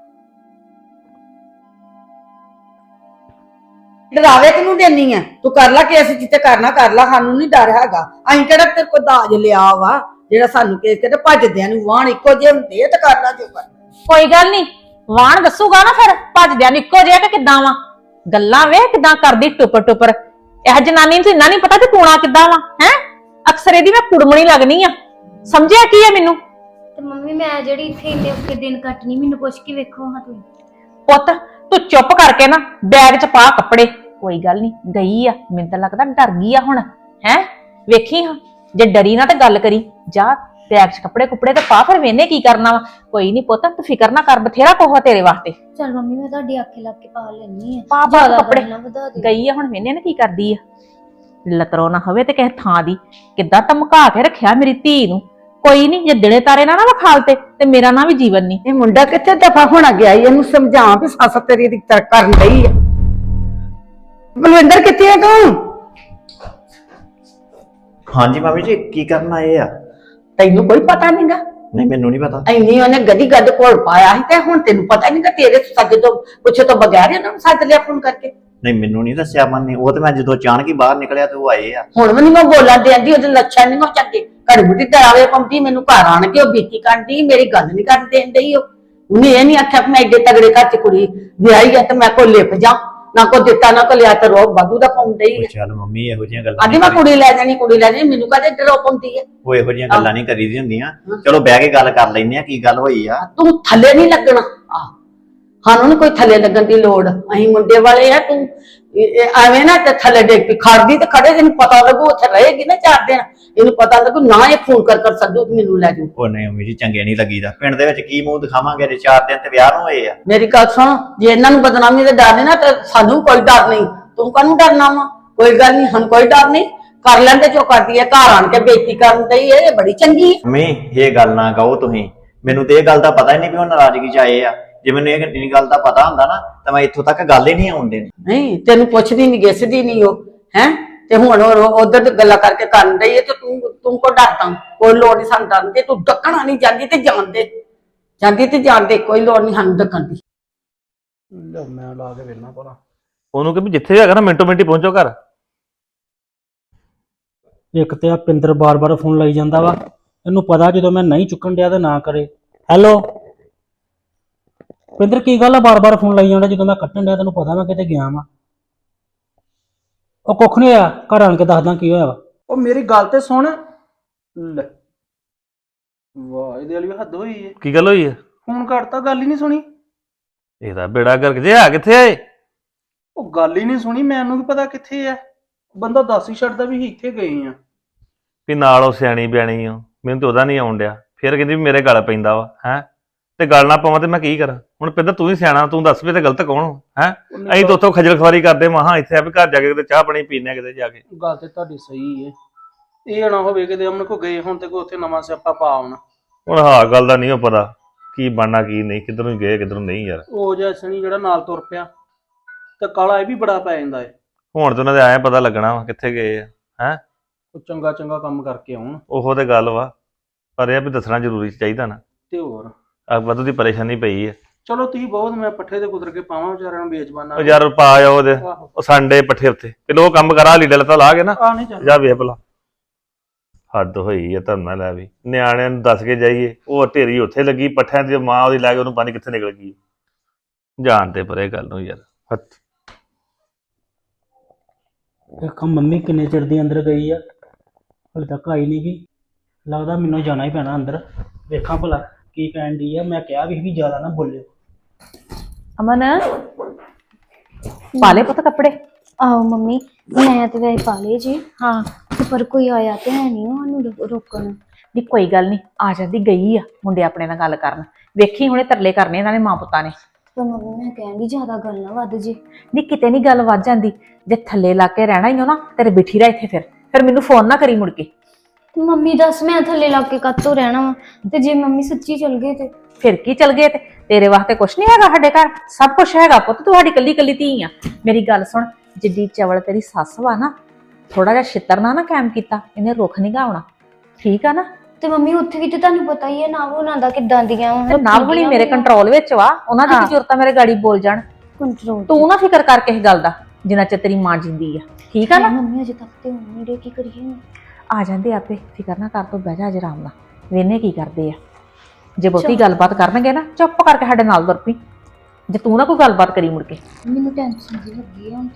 [SPEAKER 4] डरावे तेनू देनी है तू कर ला केस जिते करना कर ला सानू नहीं डर हैगा असीं किहड़ा तेरे कोल दाज लिया वा जेड़ा सानू केस कहते भजदियां नूं वाहन इक्को जे हुंदे ते कर ला जो कर
[SPEAKER 3] कोई गल नहीं वाहन दसूगा ना फिर भजदियां इक्को जे कि किदां वा गल्लां वे किदां करदी टुपर टुपर ਇਹ ਜਨਾਨੀ ਨੂੰ ਤਾਂ ਇੰਨਾ ਨਹੀਂ ਪਤਾ ਕਿ ਪੂਣਾ ਕਿੱਦਾਂ ਵਾ ਹੈ। ਅਕਸਰ ਇਹਦੀ ਮੈਂ ਕੁੜਮਣੀ ਲੱਗਣੀ ਆ, ਸਮਝਿਆ ਕੀ ਆ ਮੈਨੂੰ?
[SPEAKER 5] ਤੇ ਮੰਮੀ ਮੈਂ ਜਿਹੜੀ ਇੱਥੇ ਇੰਨੇ ਔਖੇ ਦਿਨ ਕੱਟਣੀ, ਮੈਨੂੰ ਪੁੱਛ ਕੇ ਵੇਖੋ ਹਾਂ ਤੁਸੀਂ।
[SPEAKER 3] ਪੁੱਤ ਤੂੰ ਚੁੱਪ ਕਰਕੇ ਨਾ ਬੈਗ 'ਚ ਪਾ ਕੱਪੜੇ, ਕੋਈ ਗੱਲ ਨਹੀਂ ਗਈ ਆ, ਮੈਨੂੰ ਤਾਂ ਲੱਗਦਾ ਡਰ ਗਈ ਆ ਹੁਣ ਹੈ। ਵੇਖੀ ਹਾਂ ਜੇ ਡਰੀ ਨਾ ਤੇ ਗੱਲ ਕਰੀ, ਜਾ ਬੈਗ 'ਚ ਕੱਪੜੇ ਕੁੱਪੜੇ ਤੇ ਪਾ, ਫਿਰ ਵੇਨੇ ਕੀ ਕਰਨਾ ਵਾ। ਕੋਈ ਨਹੀਂ ਪੁੱਤ ਤੂੰ ਫਿਕਰ ਨਾ ਕਰ, ਬਥੇਰਾ ਕੋਹਾ ਤੇਰੇ ਵਾਸਤੇ।
[SPEAKER 5] ਚਲ ਮੰਮੀ ਮੈਂ ਤੁਹਾਡੀ ਆਖੇ ਲੱਗ ਕੇ ਪਾ ਲੈਣੀ ਆ।
[SPEAKER 3] ਪਾ ਪਾ
[SPEAKER 5] ਜ਼ਿਆਦਾ
[SPEAKER 3] ਕੱਪੜੇ,
[SPEAKER 5] ਗੱਲ ਨਾ ਵਧਾ ਦਿਓ।
[SPEAKER 3] ਗਈ ਆ ਹੁਣ ਵੇਨੇ ਨਾ ਕੀ ਕਰਦੀ ਆ। ਲਤਰੋ ਨਾ ਹੋਵੇ ਤੇ ਕਿਸੇ ਥਾਂ ਦੀ, ਕਿੱਦਾਂ ਧਮਕਾ ਕੇ ਰੱਖਿਆ ਮੇਰੀ ਧੀ ਨੂੰ। ਕੋਈ ਨਹੀਂ ਜੇ ਦਿਨੇ ਤਾਰੇ ਨਾ ਨਾ ਵਿਖਾਲ ਤੇ ਤੇ ਮੇਰਾ ਨਾਂ ਵੀ ਜੀਵਨ ਨਹੀਂ।
[SPEAKER 4] ਇਹ ਮੁੰਡਾ ਕਿੱਥੇ ਦਫਾ ਹੋਣਾ ਗਿਆ ਈ? ਇਹਨੂੰ ਸਮਝਾ ਵੀ ਸੱਸ ਤੇਰੀ ਦੀ ਤਰਕ ਕਰਨ ਲਈ ਆ। ਬਲਵਿੰਦਰ ਕਿੱਥੇ ਆ ਤੂੰ?
[SPEAKER 7] ਹਾਂਜੀ ਮਾਮੀ ਜੀ ਕੀ ਕਰਨ ਆਏ ਆ?
[SPEAKER 4] ਤੈਨੂੰ ਕੋਈ ਪਤਾ ਨਹੀਂਗਾ?
[SPEAKER 7] ਨਹੀਂ ਮੈਨੂੰ ਨਹੀਂ ਪਤਾ।
[SPEAKER 4] ਐਨੀ ਉਹਨੇ ਗਦੀ ਗੱਦ ਕੋਲ ਪਾਇਆ ਸੀ ਤੇ ਹੁਣ ਤੈਨੂੰ ਪਤਾ ਨਹੀਂਗਾ? ਤੇਰੇ ਸੱਜ ਤੋਂ ਪੁੱਛੇ ਤੋਂ ਬਗੈਰ ਹੀ ਉਹਨਾਂ ਨੂੰ ਸੱਦ ਲਿਆ ਫੋਨ ਕਰਕੇ।
[SPEAKER 7] ਨਹੀਂ ਮੈਨੂੰ ਨਹੀਂ ਦੱਸਿਆ ਮਨ ਨੇ, ਉਹ ਤੇ ਮੈਂ ਜਦੋਂ ਅਚਾਨਕ ਹੀ ਬਾਹਰ ਨਿਕਲਿਆ ਤੇ ਉਹ ਆਏ ਆ।
[SPEAKER 4] ਹੁਣ ਵੀ ਨੀ ਮੈਂ ਬੋਲਾਂ ਦੇਂਦੀ, ਉਹਦੇ ਲੱਛਣ ਨਹੀਂ ਉਹ ਚੰਗੇ। ਘੜੀ ਮੁੱਢੀ ਡਰਾਵੇ ਪੰਦੀ ਮੈਨੂੰ ਘਰ ਆਣ ਕੇ ਉਹ ਬੀਤੀ ਕਰਦੀ, ਮੇਰੀ ਗੱਲ ਨਹੀਂ ਕਰਨ ਦੇਣ ਡਈ। ਉਹ ਉਹਨੇ ਇਹ ਨਹੀਂ ਆਖਿਆ ਕਿ ਮੈਂ ਏਡੇ ਤਗੜੇ ਘਰ ਚ ਕੁੜੀ ਵਿਆਹੀ ਆ ਤੇ ਮੈਂ ਕੋ ਲਿਪ ਜਾ, ਨਾ ਕੋ ਦਿੱਤਾ ਨਾ ਕੋ ਲਿਆ, ਤੇ ਰੋਬ ਵਾਧੂ ਦਾ ਪਾਉਂਦੇ ਹੀ।
[SPEAKER 7] ਉਹ ਚੱਲ ਮੰਮੀ ਇਹੋ ਜਿਹੀਆਂ ਗੱਲਾਂ
[SPEAKER 4] ਆਦੀ ਮੈਂ ਕੁੜੀ ਲੈ ਜਾਣੀ ਕੁੜੀ ਲੈ ਜਾਣੀ, ਮੈਨੂੰ ਕਹਦੇ ਡਰੋ ਪਾਉਂਦੀ ਹੈ।
[SPEAKER 7] ਉਹ ਇਹੋ ਜਿਹੀਆਂ ਗੱਲਾਂ ਨਹੀਂ ਕਰੀਦੀ ਹੁੰਦੀਆਂ। ਚਲੋ ਬਹਿ ਕੇ ਗੱਲ ਕਰ ਲੈਂਦੇ ਆ ਕੀ ਗੱਲ ਹੋਈ ਆ।
[SPEAKER 4] ਤੂੰ ਥੱਲੇ ਨਹੀਂ ਲੱਗਣਾ, ਆ ਸਾਨੂੰ ਨੀ ਕੋਈ ਥੱਲੇ ਲੱਗਣ ਦੀ ਲੋੜ। ਅਸੀਂ ਮੁੰਡੇ ਵਾਲੇ ਆ, ਤੂੰ ਇਹ- ਇਹ ਐਵੇਂ ਨਾ ਤੇ ਥੱਲੇ ਡੇਕ ਕੇ ਖੜਦੀ ਤੇ ਖੜੇ, ਤੈਨੂੰ ਪਤਾ ਲੱਗੂ ਉੱਥੇ ਰਹੇਗੀ ਨਾ ਚਾਰ ਦਿਨ, ਇਹਨੂੰ ਪਤਾ ਲੱਗੂ ਨਾ ਇਹ ਫੋਨ ਕਰ ਕਰ ਸੱਦੂ ਤੇ ਮੈਨੂੰ ਲੈ ਜੂ।
[SPEAKER 7] ਉਹ ਨਹੀਂ ਮੰਮੀ ਜੀ ਚੰਗੇ ਨਹੀਂ ਲੱਗੀਦਾ, ਪਿੰਡ ਦੇ ਵਿੱਚ ਕੀ ਮੂੰਹ ਦਿਖਾਵਾਂਗੇ ਜੇ ਚਾਰ ਦਿਨ ਤੇ ਵਿਆਹ ਨੂੰ ਹੋਏ ਆ।
[SPEAKER 4] ਮੇਰੀ ਗੱਲ ਸੁਣ, ਜੇ ਇਹਨਾਂ ਨੂੰ ਬਦਨਾਮੀ ਦੇ ਡਰ ਨਹੀਂ ਨਾ ਤੇ ਸਾਨੂੰ ਕੋਈ ਡਰ ਨਹੀਂ। ਤੂੰ ਕਾਹਨੂੰ ਡਰਨਾ ਵਾ? ਕੋਈ ਗੱਲ ਨਹੀਂ, ਸਾਨੂੰ ਕੋਈ ਡਰ ਨਹੀਂ। ਕਰ ਲੈਂਦੇ ਜੋ ਕਰਦੀ ਹੈ, ਘਰ ਆਣ ਕੇ ਬੇਇੱਜ਼ਤੀ ਕਰਨ ਦੀ ਇਹ ਬੜੀ ਚੰਗੀ ਹੈ।
[SPEAKER 7] ਮੰਮੀ ਇਹ ਗੱਲ ਨਾ ਕਹੋ ਤੁਸੀਂ, ਮੈਨੂੰ ਤੇ ਇਹ ਗੱਲ ਦਾ ਪਤਾ ਹੀ ਨਹੀਂ ਵੀ ਉਹ ਨਾਰਾਜ਼ਗੀ ਚ ਆਏ ਆ। ਜੇ ਮੈਨੂੰ ਇਹ ਇੰਨੀ ਗੱਲ ਦਾ ਪਤਾ ਹੁੰਦਾ ਨਾ ਤਾਂ ਮੈਂ ਇੱਥੋਂ ਤੱਕ ਗੱਲ ਹੀ ਨਹੀਂ ਆਉਣ ਦੇਣੀ।
[SPEAKER 4] ਨਹੀਂ ਤੈਨੂੰ ਪੁੱਛਦੀ ਨਹੀਂ ਗਿੱਸਦੀ ਨਹੀਂ ਉਹ ਹੈ, ਤੇ ਹੁਣ ਉਧਰ ਗੱਲਾਂ ਕਰਕੇ ਕਰਨ ਡਈ ਹੈ ਤੇ ਤੂੰ ਤੂੰ ਕੋ ਡਰਦਾ? ਕੋਈ ਲੋੜ ਨਹੀਂ ਸਾਨੂੰ ਡਰਨ ਦੀ, ਤੂੰ ਡੱਕਣਾ ਨਹੀਂ ਜਾਂਦੀ ਤੇ ਜਾਣ ਦੇ, ਜਾਂਦੀ ਤੇ ਜਾਣ ਦੇ, ਕੋਈ ਲੋੜ ਨਹੀਂ ਸਾਨੂੰ ਡੱਕਣ ਦੀ।
[SPEAKER 2] ਲੈ ਮੈਂ ਲਾ ਕੇ ਵੇਖਣਾ ਭਲਾ।
[SPEAKER 1] ਉਹਨੂੰ ਕਿ ਵੀ ਜਿੱਥੇ ਹੈਗਾ ਨਾ ਮਿੰਟੋ ਮਿੰਟੀ ਪਹੁੰਚੋ ਘਰ।
[SPEAKER 2] ਇੱਕ ਤੇ ਆ ਪਿੰਦਰ ਬਾਰ-ਬਾਰ ਫੋਨ ਲਾਈ ਜਾਂਦਾ ਵਾ, ਇਹਨੂੰ ਪਤਾ ਜਦੋਂ ਮੈਂ ਨਹੀਂ ਚੁੱਕਣ ਡਿਆ ਤਾਂ ਨਾ ਕਰੇ। ਹੈਲੋ ਪਿੰਦਰ ਕੀ ਗੱਲ ਆ, ਬਾਰ-ਬਾਰ ਫੋਨ ਲਾਈ ਜਾਂਦਾ ਜਦੋਂ ਮੈਂ ਕੱਟਣ ਡਿਆ? ਤੈਨੂੰ ਪਤਾ ਮੈਂ ਕਿਤੇ ਗਿਆ ਵਾਂ। ਉਹ ਕੁੱਖ ਨਹੀਂ ਹੋਇਆ, ਘਰ ਆਣ ਕੇ ਦੱਸਦਾ ਕੀ ਹੋਇਆ ਵਾ। ਉਹ ਮੇਰੀ ਗੱਲ ਤੇ ਸੁਣ ਲੈ, ਵਾਹ ਇਹਦੇ ਵਾਲੀ ਹੱਦ ਹੋਈ ਏ।
[SPEAKER 1] ਕੀ ਗੱਲ ਹੋਈ ਹੈ?
[SPEAKER 2] ਫੋਨ ਕਰਤਾ, ਗੱਲ ਹੀ ਨਹੀਂ ਸੁਣੀ।
[SPEAKER 1] ਇਹਦਾ ਬੇੜਾ ਗਰਕ ਜੇ ਆ ਕਿੱਥੇ ਆਏ?
[SPEAKER 2] ਉਹ ਗੱਲ ਹੀ ਨਹੀਂ ਸੁਣੀ, ਮੈਨੂੰ ਕੀ ਪਤਾ ਕਿੱਥੇ ਆ। ਬੰਦਾ ਦੱਸ ਹੀ ਛੱਡਦਾ ਵੀ ਇੱਥੇ ਗਏ ਆ।
[SPEAKER 1] ਵੀ ਨਾਲ ਉਹ ਸਿਆਣੀ ਬਿਆਣੀ ਆ, ਮੈਨੂੰ ਤੇ ਉਹਦਾ ਨਹੀਂ ਆਉਣ ਡਿਆ। ਫਿਰ ਕਹਿੰਦੀ ਵੀ ਮੇਰੇ ਗਲ ਪੈਂਦਾ ਵਾ ਹੈ, ਤੇ ਗੱਲ ਨਾ ਪਾਵਾਂ ਤੇ ਮੈਂ ਕੀ ਕਰਾਂ? ਹੁਣ ਪਿੰਦਰ ਤੂੰ ਹੀ ਸਿਆਣਾ, ਤੂੰ ਦੱਸ ਵੀ ਤੇ ਗਲਤ ਕੌਣ ਹੈ? ਅਸੀਂ ਤਾਂ ਉੱਥੋਂ ਖਜਲ ਖਵਾਰੀ ਕਰਦੇ ਮਹਾ ਇੱਥੇ ਆ ਵੀ ਘਰ ਜਾ ਕੇ ਕਿਤੇ ਚਾਹ ਪਾਣੀ ਪੀਨੇ ਕਿਤੇ ਜਾ ਕੇ।
[SPEAKER 2] ਗੱਲ ਤੇ ਤੁਹਾਡੀ ਸਹੀ ਏ, ਇਹ ਨਾ ਹੋਵੇ ਕਿਤੇ ਅਮਨ ਕੋ ਗਏ ਹੁਣ ਤੇ ਕੋਈ ਉੱਥੇ ਨਵਾਂ ਸਿਆਪਾ ਪਾ ਆਉਣਾ।
[SPEAKER 1] ਹੁਣ ਹਾਂ ਗੱਲ ਦਾ ਨਹੀਂ ਪਤਾ ਕੀ ਬਣਨਾ ਕੀ ਨਹੀਂ, ਕਿੱਧਰ ਨੂੰ ਗਏ ਕਿੱਧਰ ਨੂੰ ਨਹੀਂ ਯਾਰ।
[SPEAKER 2] ਉਹ ਜਿਹਾ ਸਣੀ ਜਿਹੜਾ ਨਾਲ ਤੁਰ ਪਿਆ ਤੇ ਕਾਲਾ ਇਹ ਵੀ ਬੜਾ ਪੈ ਜਾਂਦਾ ਏ।
[SPEAKER 1] ਹੁਣ ਤੇ ਉਹਨਾਂ ਦੇ ਆਏ ਪਤਾ ਲੱਗਣਾ ਵਾ ਕਿੱਥੇ ਗਏ ਆ ਹੈ।
[SPEAKER 2] ਉਹ ਚੰਗਾ ਚੰਗਾ ਕੰਮ ਕਰਕੇ ਆਉਣ
[SPEAKER 1] ਉਹੋ ਤੇ ਗੱਲ ਵਾ, ਪਰ ਇਹ ਆ ਵੀ ਦੱਸਣਾ ਜ਼ਰੂਰੀ ਚਾਹੀਦਾ ਨਾ।
[SPEAKER 2] ਤੇ ਹੋਰ
[SPEAKER 1] ਆ ਵਾਧੂ ਦੀ ਪਰੇਸ਼ਾਨੀ ਪਈ ਹੈ।
[SPEAKER 2] ਚਲੋ ਤੁਸੀਂ ਬਹੁਤ, ਮੈਂ ਪੱਠੇ ਤੇ ਕੁਦਰ ਕੇ ਪਾਵਾਂ ਵਿਚਾਰਿਆਂ ਨੂੰ ਵੇਚਬਾਨਾ।
[SPEAKER 1] ਉਹ ਯਾਰ ਪਾ ਜਾ ਉਹਦੇ
[SPEAKER 2] ਆਹੋ
[SPEAKER 1] ਉਹ ਸੰਡੇ ਪੱਠੇ ਉੱਤੇ ਤੇ ਲੋਕ ਕੰਮ ਕਰਾ ਲੀੜਾ ਲੱਤਾ ਲਾ ਕੇ ਨਾ
[SPEAKER 2] ਆ ਨਹੀਂ ਚੱਲ
[SPEAKER 1] ਜਾ ਵੇਖ ਭਲਾ। ਹੱਦ ਹੋਈ ਹੈ ਧਰਨਾ ਲੈ ਵੀ, ਨਿਆਣਿਆਂ ਨੂੰ ਦੱਸ ਕੇ ਜਾਈਏ ਉਹ ਢੇਰੀ ਉੱਥੇ ਲੱਗੀ ਪੱਠਿਆਂ ਦੀ, ਮਾਂ ਉਹਦੀ ਲੈ ਕੇ ਉਹਨੂੰ ਪਾਣੀ ਕਿੱਥੇ ਨਿਕਲ ਗਈ। ਜਾਣ ਤੇ ਪਰੇ ਗੱਲ ਨੂੰ ਯਾਰ। ਹੱਥ
[SPEAKER 2] ਦੇਖਾਂ ਮੰਮੀ ਕਿੰਨੇ ਚਿਰ ਦੀ ਅੰਦਰ ਗਈ ਆ, ਹਲੇ ਤੱਕ ਆਈ ਨਹੀਂ ਗਈ। ਲੱਗਦਾ ਮੈਨੂੰ ਜਾਣਾ ਹੀ ਪੈਣਾ ਅੰਦਰ, ਵੇਖਾਂ ਭਲਾ ਕੀ ਕਹਿਣ ਦੀ ਆ। ਮੈਂ ਕਿਹਾ ਵੀ ਵੀ ਜ਼ਿਆਦਾ ਨਾ ਬੋਲਿਓ।
[SPEAKER 3] ਅਮਨ ਪਾਲੇ ਪੁੱਤ ਕੱਪੜੇ।
[SPEAKER 5] ਆਹੋ ਮੰਮੀ ਮੈਂ ਤੇ ਵੈਸੇ ਪਾ ਲਏ ਜੀ,
[SPEAKER 3] ਹਾਂ
[SPEAKER 5] ਤੇ ਪਰ ਕੋਈ ਆਇਆ ਤੇ ਹੈ ਨਹੀਂ ਉਹਨੂੰ ਰੋ- ਰੋਕਣ।
[SPEAKER 3] ਨਹੀਂ ਕੋਈ ਗੱਲ ਨਹੀਂ, ਆ ਜਾਂਦੀ, ਗਈ ਆ ਮੁੰਡੇ ਆਪਣੇ ਨਾਲ ਗੱਲ ਕਰਨ। ਵੇਖੀ ਹੁਣੇ ਤਰਲੇ ਕਰਨੇ ਇਹਨਾਂ ਨੇ ਮਾਂ ਪੁੱਤਾਂ ਨੇ।
[SPEAKER 5] ਪਰ ਮੰਮੀ ਮੈਂ ਕਹਿੰਦੀ ਜ਼ਿਆਦਾ ਗੱਲ ਨਾ ਵੱਧ ਜੇ।
[SPEAKER 3] ਨਹੀਂ ਕਿਤੇ ਨਹੀਂ ਗੱਲ ਵੱਧ ਜਾਂਦੀ, ਜੇ ਥੱਲੇ ਲਾ ਕੇ ਰਹਿਣਾ ਹੀ ਹੋ ਨਾ ਤੇਰੇ ਬਿਠੀ ਰਹਿ ਇੱਥੇ। ਫਿਰ ਫਿਰ ਮੈਨੂੰ ਫੋਨ ਨਾ ਕਰੀ ਮੁੜ ਕੇ।
[SPEAKER 5] ਤੇ ਮੰਮੀ ਦੱਸ ਮੈਂ ਥੱਲੇ ਲੱਗ ਕੇ ਕੱਤੋਂ ਰਹਿਣਾ ਵਾ, ਤੇ ਜੇ ਮੰਮੀ ਸੱਚੀ ਚਲ ਗਏ ਤੇ
[SPEAKER 3] ਫਿਰ ਕੀ ਚਲ ਗਏ? ਤੇ ਤੇਰੇ ਵਾਸਤੇ ਕੁਛ ਨਹੀਂ ਹੈਗਾ ਸਾਡੇ ਘਰ? ਸਭ ਕੁਛ ਹੈਗਾ ਪੁੱਤ, ਤੁਹਾਡੀ ਕੱਲੀ ਕੱਲੀ ਧੀ ਆ। ਮੇਰੀ ਗੱਲ ਸੁਣ, ਜਿੱਡੀ ਚਵਲ ਤੇਰੀ ਸੱਸ ਵਾ ਨਾ, ਥੋੜਾ ਜਿਹਾ ਛਿੱਤਰ ਨਾ ਨਾ ਕਾਇਮ ਕੀਤਾ ਇਹਨੇ ਰੁੱਖ ਨਹੀਂ ਗਾਉਣਾ, ਠੀਕ ਆ ਨਾ?
[SPEAKER 5] ਤੇ ਮੰਮੀ ਉੱਥੇ ਵੀ ਤੇ ਤੁਹਾਨੂੰ ਪਤਾ ਹੀ ਹੈ ਨਾ ਉਹਨਾਂ ਦਾ ਕਿੱਦਾਂ ਦੀਆਂ
[SPEAKER 3] ਤੇ ਨਾ ਹੁਣੀ ਮੇਰੇ ਕੰਟਰੋਲ ਵਿੱਚ ਵਾ, ਉਹਨਾਂ ਦੀ ਕੀ ਜ਼ਰੂਰਤ ਆ ਮੇਰੇ ਗਾੜੀ ਬੋਲ ਜਾਣ।
[SPEAKER 5] ਕੰਟਰੋਲ।
[SPEAKER 3] ਤੂੰ ਨਾ ਫਿਕਰ ਕਰ ਕਿਸੇ ਗੱਲ ਦਾ, ਜਿੰਨਾ ਚਿਰ ਤੇਰੀ ਮਾਂ ਜਿੰਦੀ ਆ, ਠੀਕ ਆ ਨਾ?
[SPEAKER 5] ਮੰਮੀ ਅਜੇ ਤੱਕ ਤੇ ਮੰਮੀ ਦੇ ਕੀ ਕਰੀਏ?
[SPEAKER 3] ਆ ਜਾਂਦੇ ਆਪੇ, ਫਿਕਰ ਨਾ ਕਰ, ਤੂੰ ਬਹਿ ਜਾ ਅੱਜ ਆਰਾਮ ਨਾਲ, ਵੇਨੇ ਕੀ ਕਰਦੇ ਆ। ਜੇ ਬਹੁਤੀ ਗੱਲਬਾਤ ਕਰਨਗੇ ਨਾ ਚੁੱਪ ਕਰਕੇ ਸਾਡੇ ਨਾਲ ਤੁਰ ਪਈ, ਜੇ ਤੂੰ ਨਾ ਕੋਈ ਗੱਲਬਾਤ ਕਰੀ ਮੁੜ ਕੇ।
[SPEAKER 5] ਮੈਨੂੰ ਟੈਨਸ਼ਨ ਜੀ ਲੱਗੀ ਹੈ ਹੁਣ ਤੇ।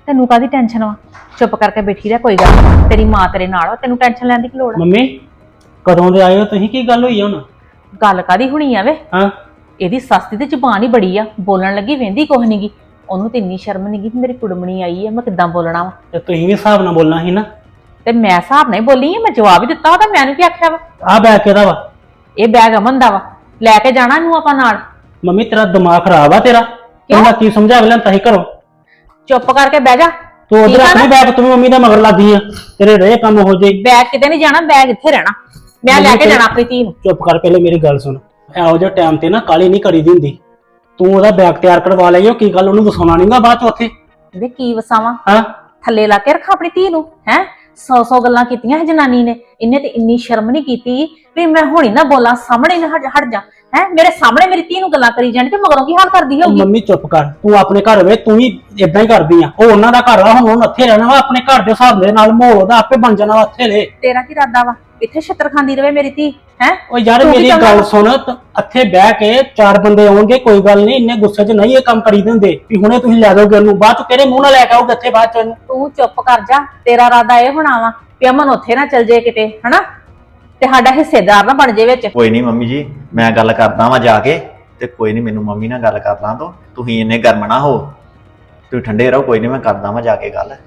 [SPEAKER 3] ਤੈਨੂੰ ਕਾਦੀ ਟੈਨਸ਼ਨ ਵਾ? ਚੁੱਪ ਕਰਕੇ ਬੈਠੀ ਰਹਿ, ਕੋਈ ਗੱਲ ਨੀ। ਤੇਰੀ ਮਾਂ ਤੇਰੇ ਨਾਲ ਵਾ, ਤੈਨੂੰ ਟੈਨਸ਼ਨ ਲੈਣ ਦੀ ਕੀ ਲੋੜ ਆ?
[SPEAKER 2] ਮੰਮੀ ਕਦੋਂ ਦੇ ਆਏ ਹੋ ਤੁਸੀਂ? ਕੀ ਗੱਲ ਹੋਈ ਆ ਹੁਣ?
[SPEAKER 3] ਗੱਲ ਕਾਦੀ ਹੋਣੀ ਆ ਵੇ?
[SPEAKER 2] ਹਾਂ
[SPEAKER 3] ਇਹਦੀ ਸੱਸ ਦੀ ਤੇ ਜ਼ੁਬਾਨ ਹੀ ਬੜੀ ਆ, ਬੋਲਣ ਲੱਗੀ ਵਹਿੰਦੀ ਕੁਛ ਨੀਗੀ। ਉਹਨੂੰ ਤੇ ਇੰਨੀ ਸ਼ਰਮ ਨੀਗੀ ਕਿ ਮੇਰੀ ਕੁੜਮਣੀ ਆਈ ਆ, ਮੈਂ ਕਿੱਦਾਂ ਬੋਲਣਾ ਵਾ?
[SPEAKER 2] ਤੇ ਤੁਸੀਂ ਵੀ ਹਿਸਾਬ ਨਾਲ ਬੋਲਣਾ ਸੀ ਨਾ।
[SPEAKER 3] ਤੇ ਮੈਂ ਹਿਸਾਬ ਨਾਲ ਹੀ ਬੋਲੀ ਆ, ਮੈਂ ਜਵਾਬ ਹੀ ਦਿੱਤਾ ਉਹਦਾ। ਮੈਨੂੰ ਕੀ ਆਖਿਆ ਵਾ?
[SPEAKER 2] ਆਹ ਬੈਗ ਕਿਹਦਾ ਵਾ?
[SPEAKER 3] ਇਹ ਬੈਗ ਅਮਨ ਦਾ ਵਾ, ਲੈ ਕੇ ਜਾਣਾ ਇਹਨੂੰ ਆਪਾਂ ਨਾਲ।
[SPEAKER 2] ਮੰਮੀ ਤੇਰਾ ਦਿਮਾਗ ਖਰਾਬ ਆ ਤੇਰਾ। ਤੂੰ ਮੈਂ ਕੀ ਸਮਝਾ ਕੇ ਲਿਆਂਦਾ ਸੀ ਘਰੋਂ?
[SPEAKER 3] ਚੁੱਪ ਕਰਕੇ ਬਹਿ ਜਾ।
[SPEAKER 2] ਤੂੰ ਉਧਰ
[SPEAKER 3] ਠੀਕ ਆ
[SPEAKER 2] ਆਪਣੀ
[SPEAKER 3] ਨਾ?
[SPEAKER 2] ਬੈਗ ਤੂੰ ਮੰਮੀ ਦਾ ਮਗਰ ਲੱਗੀ ਆ, ਤੇਰੇ ਰਹੇ ਕੰਮ ਹੋ ਜੇ।
[SPEAKER 3] ਬੈਗ ਕਿਤੇ ਨਹੀਂ ਜਾਣਾ, ਬੈਗ ਇੱਥੇ ਰਹਿਣਾ। ਮੈਂ ਲੈ ਕੇ ਜਾਣਾ ਆਪਣੀ ਧੀ ਨੂੰ।
[SPEAKER 2] ਚੁੱਪ ਕਰ, ਪਹਿਲੇ ਮੇਰੀ ਗੱਲ ਸੁਣ। ਇਹੋ ਜਿਹੇ ਟਾਈਮ ਤੇ ਨਾ ਕਾਲੀ ਨਹੀਂ ਕਰੀ ਦੀ ਹੁੰਦੀ। ਤੂੰ ਉਹਦਾ ਬੈਗ ਤਿਆਰ ਕਰਵਾ ਲਈ, ਉਹ ਕੀ ਗੱਲ ਉਹਨੂੰ ਵਸਾਉਣਾ ਨਹੀਂਗਾ ਬਾਅਦ ਚ ਉੱਥੇ?
[SPEAKER 3] ਵੇ ਕੀ ਵਸਾਵਾਂ?
[SPEAKER 2] ਹਾਂ
[SPEAKER 3] ਥੱਲੇ ਲਾ ਕੇ ਰੱਖਾਂ ਆਪਣੀ ਧੀ ਨੂੰ? ਹੈ ਸੌ ਸੌ ਗੱਲਾਂ ਕੀਤੀਆਂ ਹੈ ਜਨਾਨੀ ਨੇ, ਇਹਨੇ ਤੇ ਇੰਨੀ ਸ਼ਰਮ ਨਹੀਂ ਕੀਤੀ ਵੀ ਮੈਂ ਹੁਣੀ ਨਾ ਬੋਲਾਂ, ਸਾਹਮਣੇ ਨਾ ਹਟ ਹਟ ਜਾ। ਹੈ ਮੇਰੇ ਸਾਹਮਣੇ ਮੇਰੀ ਧੀ ਨੂੰ ਗੱਲਾਂ ਕਰੀ ਜਾਣੀ ਤੇ ਮਗਰੋਂ ਕੀ ਹਾਲ ਕਰਦੀ
[SPEAKER 2] ਉਹ
[SPEAKER 3] ਹੋਊਗੀ?
[SPEAKER 2] ਮੰਮੀ ਚੁੱਪ ਕਰ, ਤੂੰ ਆਪਣੇ ਘਰ ਵੇ ਤੂੰ ਵੀ ਇਦਾਂ ਹੀ ਕਰਦੀ ਆ। ਉਹ ਉਹਨਾਂ ਦਾ ਘਰ ਆ, ਹੁਣ ਉਹਨੂੰ ਇੱਥੇ ਰਹਿਣਾ ਵਾ। ਆਪਣੇ ਘਰ ਦੇ ਹਿਸਾਬ ਦੇ ਨਾਲ ਮਾਹੌਲ ਉਹਦਾ ਆਪੇ ਬਣ ਜਾਣਾ ਵਾ, ਇੱਥੇ ਰਹੇ।
[SPEAKER 3] ਤੇਰਾ ਕੀ ਇਰਾਦਾ ਵਾ? ਇੱਥੇ ਛਿੱਤਰ ਖਾਂਦੀ ਰਵੇ ਮੇਰੀ ਧੀ? ਹੈ
[SPEAKER 2] ਉਹ ਯਾਰ ਮੇਰੀ ਗੱਲ ਸੁਣ, ਤ- ਇੱਥੇ ਬਹਿ ਕੇ ਚਾਰ ਬੰਦੇ ਆਉਣਗੇ, ਕੋਈ ਗੱਲ ਨਹੀਂ। ਇੰਨੇ ਗੁੱਸੇ 'ਚ ਨਹੀਂ ਇਹ ਕੰਮ ਕਰੀ ਦਿੰਦੇ ਵੀ ਹੁਣੇ ਤੁਸੀਂ ਲੈ ਦੋਗੇ ਉਹਨੂੰ, ਬਾਅਦ 'ਚ ਤੇਰੇ ਮੂੰਹ ਨਾਲ ਲੈ ਕੇ ਆਉਗੇ ਇੱਥੇ ਬਾਅਦ 'ਚ ਇਹਨੂੰ।
[SPEAKER 3] ਤੂੰ ਚੁੱਪ ਕਰ ਜਾ। ਤੇਰਾ ਇਰਾਦਾ ਇਹ ਹੋਣਾ ਵਾ ਵੀ ਅਮਨ ਉੱਥੇ ਨਾ ਚਲ ਜੇ ਕਿਤੇ, ਹਨਾ, ਤੇ ਸਾਡਾ ਹਿੱਸੇਦਾਰ ਨਾ ਬਣ ਜੇ ਵਿੱਚ।
[SPEAKER 7] ਕੋਈ ਨਹੀਂ ਮੰਮੀ ਜੀ, ਮੈਂ ਗੱਲ ਕਰਦਾ ਵਾਂ ਜਾ ਕੇ। ਤੇ ਕੋਈ ਨਹੀਂ, ਮੈਨੂੰ ਮੰਮੀ ਨਾਲ ਗੱਲ ਕਰ ਲਾਂ ਤੋਂ। ਤੁਸੀਂ ਇੰਨੇ ਗਰਮ ਨਾ ਹੋ, ਤੁਸੀਂ ਠੰਡੇ ਰਹੋ। ਕੋਈ ਨਹੀਂ, ਮੈਂ ਕਰਦਾ ਵਾਂ ਜਾ ਕੇ ਗੱਲ।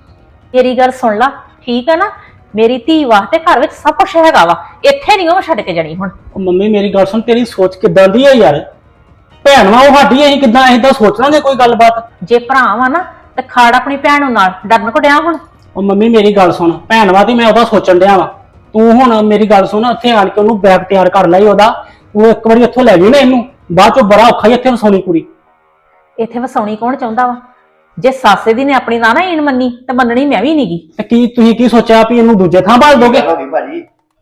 [SPEAKER 3] ਮੇਰੀ ਗੱਲ ਸੁਣ ਲਾ, ਠੀਕ ਹੈ ਨਾ? ਮੇਰੀ ਧੀ ਵਾਸਤੇ ਘਰ ਵਿੱਚ ਸਭ ਕੁਝ ਹੈਗਾ ਵਾ, ਇੱਥੇ ਨਹੀਂ ਉਹ ਛੱਡ ਕੇ ਜਾਣੀ ਹੁਣ।
[SPEAKER 2] ਉਹ ਮੰਮੀ ਮੇਰੀ ਗੱਲ ਸੁਣ, ਤੇਰੀ ਸੋਚ ਕਿੱਦਾਂ ਦੀ ਹੈ ਯਾਰ? ਭੈਣ ਵਾ ਉਹ ਸਾਡੀ, ਅਸੀਂ ਕਿੱਦਾਂ ਏਦਾਂ ਸੋਚ ਲਾਂਗੇ ਕੋਈ ਗੱਲਬਾਤ?
[SPEAKER 3] ਜੇ ਭਰਾ ਵਾ ਨਾ ਤੇ ਖਾੜ ਆਪਣੀ ਭੈਣ ਨੂੰ ਨਾਲ, ਡਰਨ ਕੋ ਡਿਆ ਹੁਣ?
[SPEAKER 2] ਉਹ ਮੰਮੀ ਮੇਰੀ ਗੱਲ ਸੁਣ, ਭੈਣ ਵਾ ਤੇ ਮੈਂ ਉਹਦਾ ਸੋਚਣ ਡਿਆ ਵਾ। ਤੂੰ ਹੁਣ ਮੇਰੀ ਗੱਲ ਸੁਣ, ਇੱਥੇ ਆਣ ਕੇ ਉਹਨੂੰ ਬੈਗ ਤਿਆਰ ਕਰ ਲਈ ਉਹਦਾ। ਉਹ ਇੱਕ ਵਾਰੀ ਇੱਥੋਂ ਲੈ ਗਈ ਨਾ ਇਹਨੂੰ, ਬਾਅਦ ਚੋਂ ਬੜਾ ਔਖਾ ਹੀ ਇੱਥੇ ਵਸਾਉਣੀ ਕੁੜੀ।
[SPEAKER 3] ਇੱਥੇ ਵਸਾਉਣੀ ਕੌਣ ਚਾਹੁੰਦਾ ਵਾ? ਜੇ ਸਾਸੇ ਦੀ ਨੇ ਆਪਣੀ ਨਾ ਨਾ ਈਣ ਮੰਨੀ ਤੇ ਮੰਨਣੀ ਮੈਂ ਵੀ ਨਹੀਂਗੀ।
[SPEAKER 2] ਤੇ ਕੀ ਤੁਸੀਂ ਕੀ ਸੋਚਿਆ ਵੀ ਇਹਨੂੰ ਦੂਜੇ ਥਾਂ ਭਾਲ ਦੋਗੇ?
[SPEAKER 7] ਹੋ ਗਈ ਭਾਜੀ।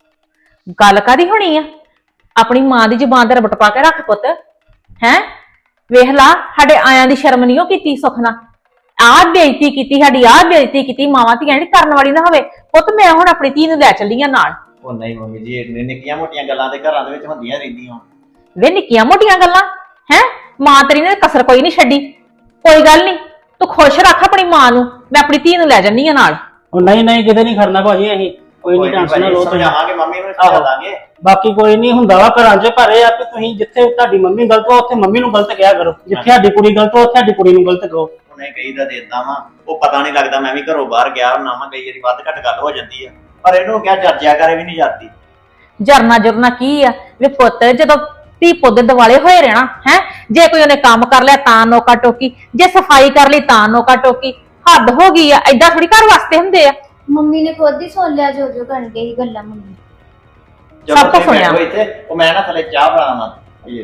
[SPEAKER 3] ਗੱਲ ਕਾਦੀ ਹੋਣੀ ਆ? ਆਪਣੀ ਮਾਂ ਦੀ ਜ਼ੁਬਾਨ ਤੇ ਰਬਟ ਪਾ ਕੇ ਰੱਖ ਪੁੱਤ। ਹੈ ਵੇਖ ਲਾ, ਸਾਡੇ ਆਇਆਂ ਦੀ ਸ਼ਰਮ ਨਹੀਂ ਉਹ ਕੀਤੀ ਸੁੱਖ ਨਾਲ। ਆਹ ਬੇਇੱਜ਼ਤੀ ਕੀਤੀ ਸਾਡੀ, ਆਹ ਬੇਇੱਜ਼ਤੀ ਕੀਤੀ। ਮਾਵਾਂ ਧੀਆਂ ਜਿਹੜੀ ਕਰਨ ਵਾਲੀ ਨਾ ਹੋਵੇ। ਪੁੱਤ ਮੈਂ ਹੁਣ ਆਪਣੀ ਧੀ ਨੂੰ ਲੈ ਚੱਲੀ ਆ ਨਾਲ।
[SPEAKER 7] ਉਹ ਨਹੀਂ ਮੰਮੀ ਜੀ, ਇਹ ਨਿੱਕੀਆਂ ਮੋਟੀਆਂ ਗੱਲਾਂ ਤੇ ਘਰਾਂ ਦੇ ਵਿੱਚ ਹੁੰਦੀਆਂ ਰਹਿੰਦੀਆਂ।
[SPEAKER 3] ਵੇ ਨਿੱਕੀਆਂ ਮੋਟੀਆਂ ਗੱਲਾਂ ਹੈ? ਮਾਂ ਤੇਰੀ ਨੇ ਕਸਰ ਕੋਈ ਨਹੀਂ ਛੱਡੀ। ਕੋਈ ਗੱਲ ਨਹੀਂ, ਤੂੰ ਖੁਸ਼ ਰੱਖ ਆਪਣੀ ਮਾਂ ਨੂੰ। ਮੈਂ ਆਪਣੀ ਧੀ ਨੂੰ ਲੈ ਜੰਨੀ ਆ ਨਾਲ।
[SPEAKER 2] ਉਹ ਨਹੀਂ ਨਹੀਂ, ਕਿਤੇ ਨਹੀਂ ਖੜਨਾ ਭਾਜੀ ਅਸੀਂ। ਕੋਈ ਨਹੀਂ, ਟੈਨਸ਼ਨ ਨਾ ਲਓ ਤੁਸੀਂ।
[SPEAKER 7] ਸਮਝਾਵਾਂਗੇ ਮੰਮੀ ਨੂੰ, ਸਮਝਾ ਦਾਂਗੇ।
[SPEAKER 2] ਬਾਕੀ ਕੋਈ ਨਹੀਂ ਹੁੰਦਾ ਵਾ ਘਰਾਂ 'ਚ, ਪਰ ਇਹ ਆ ਕਿ ਤੁਸੀਂ ਜਿੱਥੇ ਤੁਹਾਡੀ ਮੰਮੀ ਗਲਤ ਹੋ ਉੱਥੇ ਮੰਮੀ ਨੂੰ ਗਲਤ ਕਿਹਾ ਕਰੋ, ਜਿੱਥੇ ਸਾਡੀ ਕੁੜੀ ਗਲਤ ਹੋ ਉੱਥੇ ਸਾਡੀ ਕੁੜੀ ਨੂੰ ਗਲਤ ਕਹੋ।
[SPEAKER 7] ਉਹਨੇ ਕਈ ਦਾ ਦੇਤਾ ਵਾ, ਉਹ ਪਤਾ ਨਹੀਂ ਲੱਗਦਾ। ਮੈਂ ਵੀ ਘਰੋਂ ਬਾਹਰ ਗਿਆ ਹੁੰਨਾ ਵਾ, ਕਈ ਵਾਰੀ ਵੱਧ ਘੱਟ ਗੱਲ ਹੋ ਜਾਂਦੀ ਆ, ਪਰ ਇਹਨੂੰ ਕਿਹਾ ਚਰਚਿਆ ਕਰੇ ਵੀ ਨਹੀਂ ਜਾਂਦੀ।
[SPEAKER 3] ਜਰਨਾ ਜੁਰਨਾ ਕੀ ਆ ਵੇ ਪੁੱਤ? ਜਦੋਂ ਧੀ ਪੁੱਤ ਦਿਵਾਲੇ ਹੋਏ ਰਹਿਣਾ ਹੈ। ਜੇ ਕੋਈ ਉਹਨੇ ਕੰਮ ਕਰ ਲਿਆ ਤਾਂ ਨੋਕਾ ਟੋਕੀ, ਜੇ ਸਫਾਈ ਕਰ ਲਈ ਤਾਂ ਨੋਕਾ ਟੋਕੀ। ਹੱਦ ਹੋ ਗਈ ਆ। ਏਦਾਂ ਥੋੜੀ ਘਰ ਵਾਸਤੇ ਹੁੰਦੇ ਆ।
[SPEAKER 5] ਮੰਮੀ ਨੇ ਖੁਦ ਹੀ ਸੁਣ ਲਿਆ ਜੋ ਜੋ ਕਰਨ ਗਈ ਗੱਲਾਂ ਮੰਮੀ।
[SPEAKER 7] ਚਲੋ
[SPEAKER 3] ਸਭ ਕੁਛ
[SPEAKER 7] ਤੁਸੀਂ
[SPEAKER 3] ਸੁਣਿਆ।
[SPEAKER 7] ਬੈਠੋ ਇੱਥੇ, ਉਹ ਮੈਂ ਨਾ ਥੱਲੇ ਚਾਹ ਬਣਾਵਾਂ। ਇਹ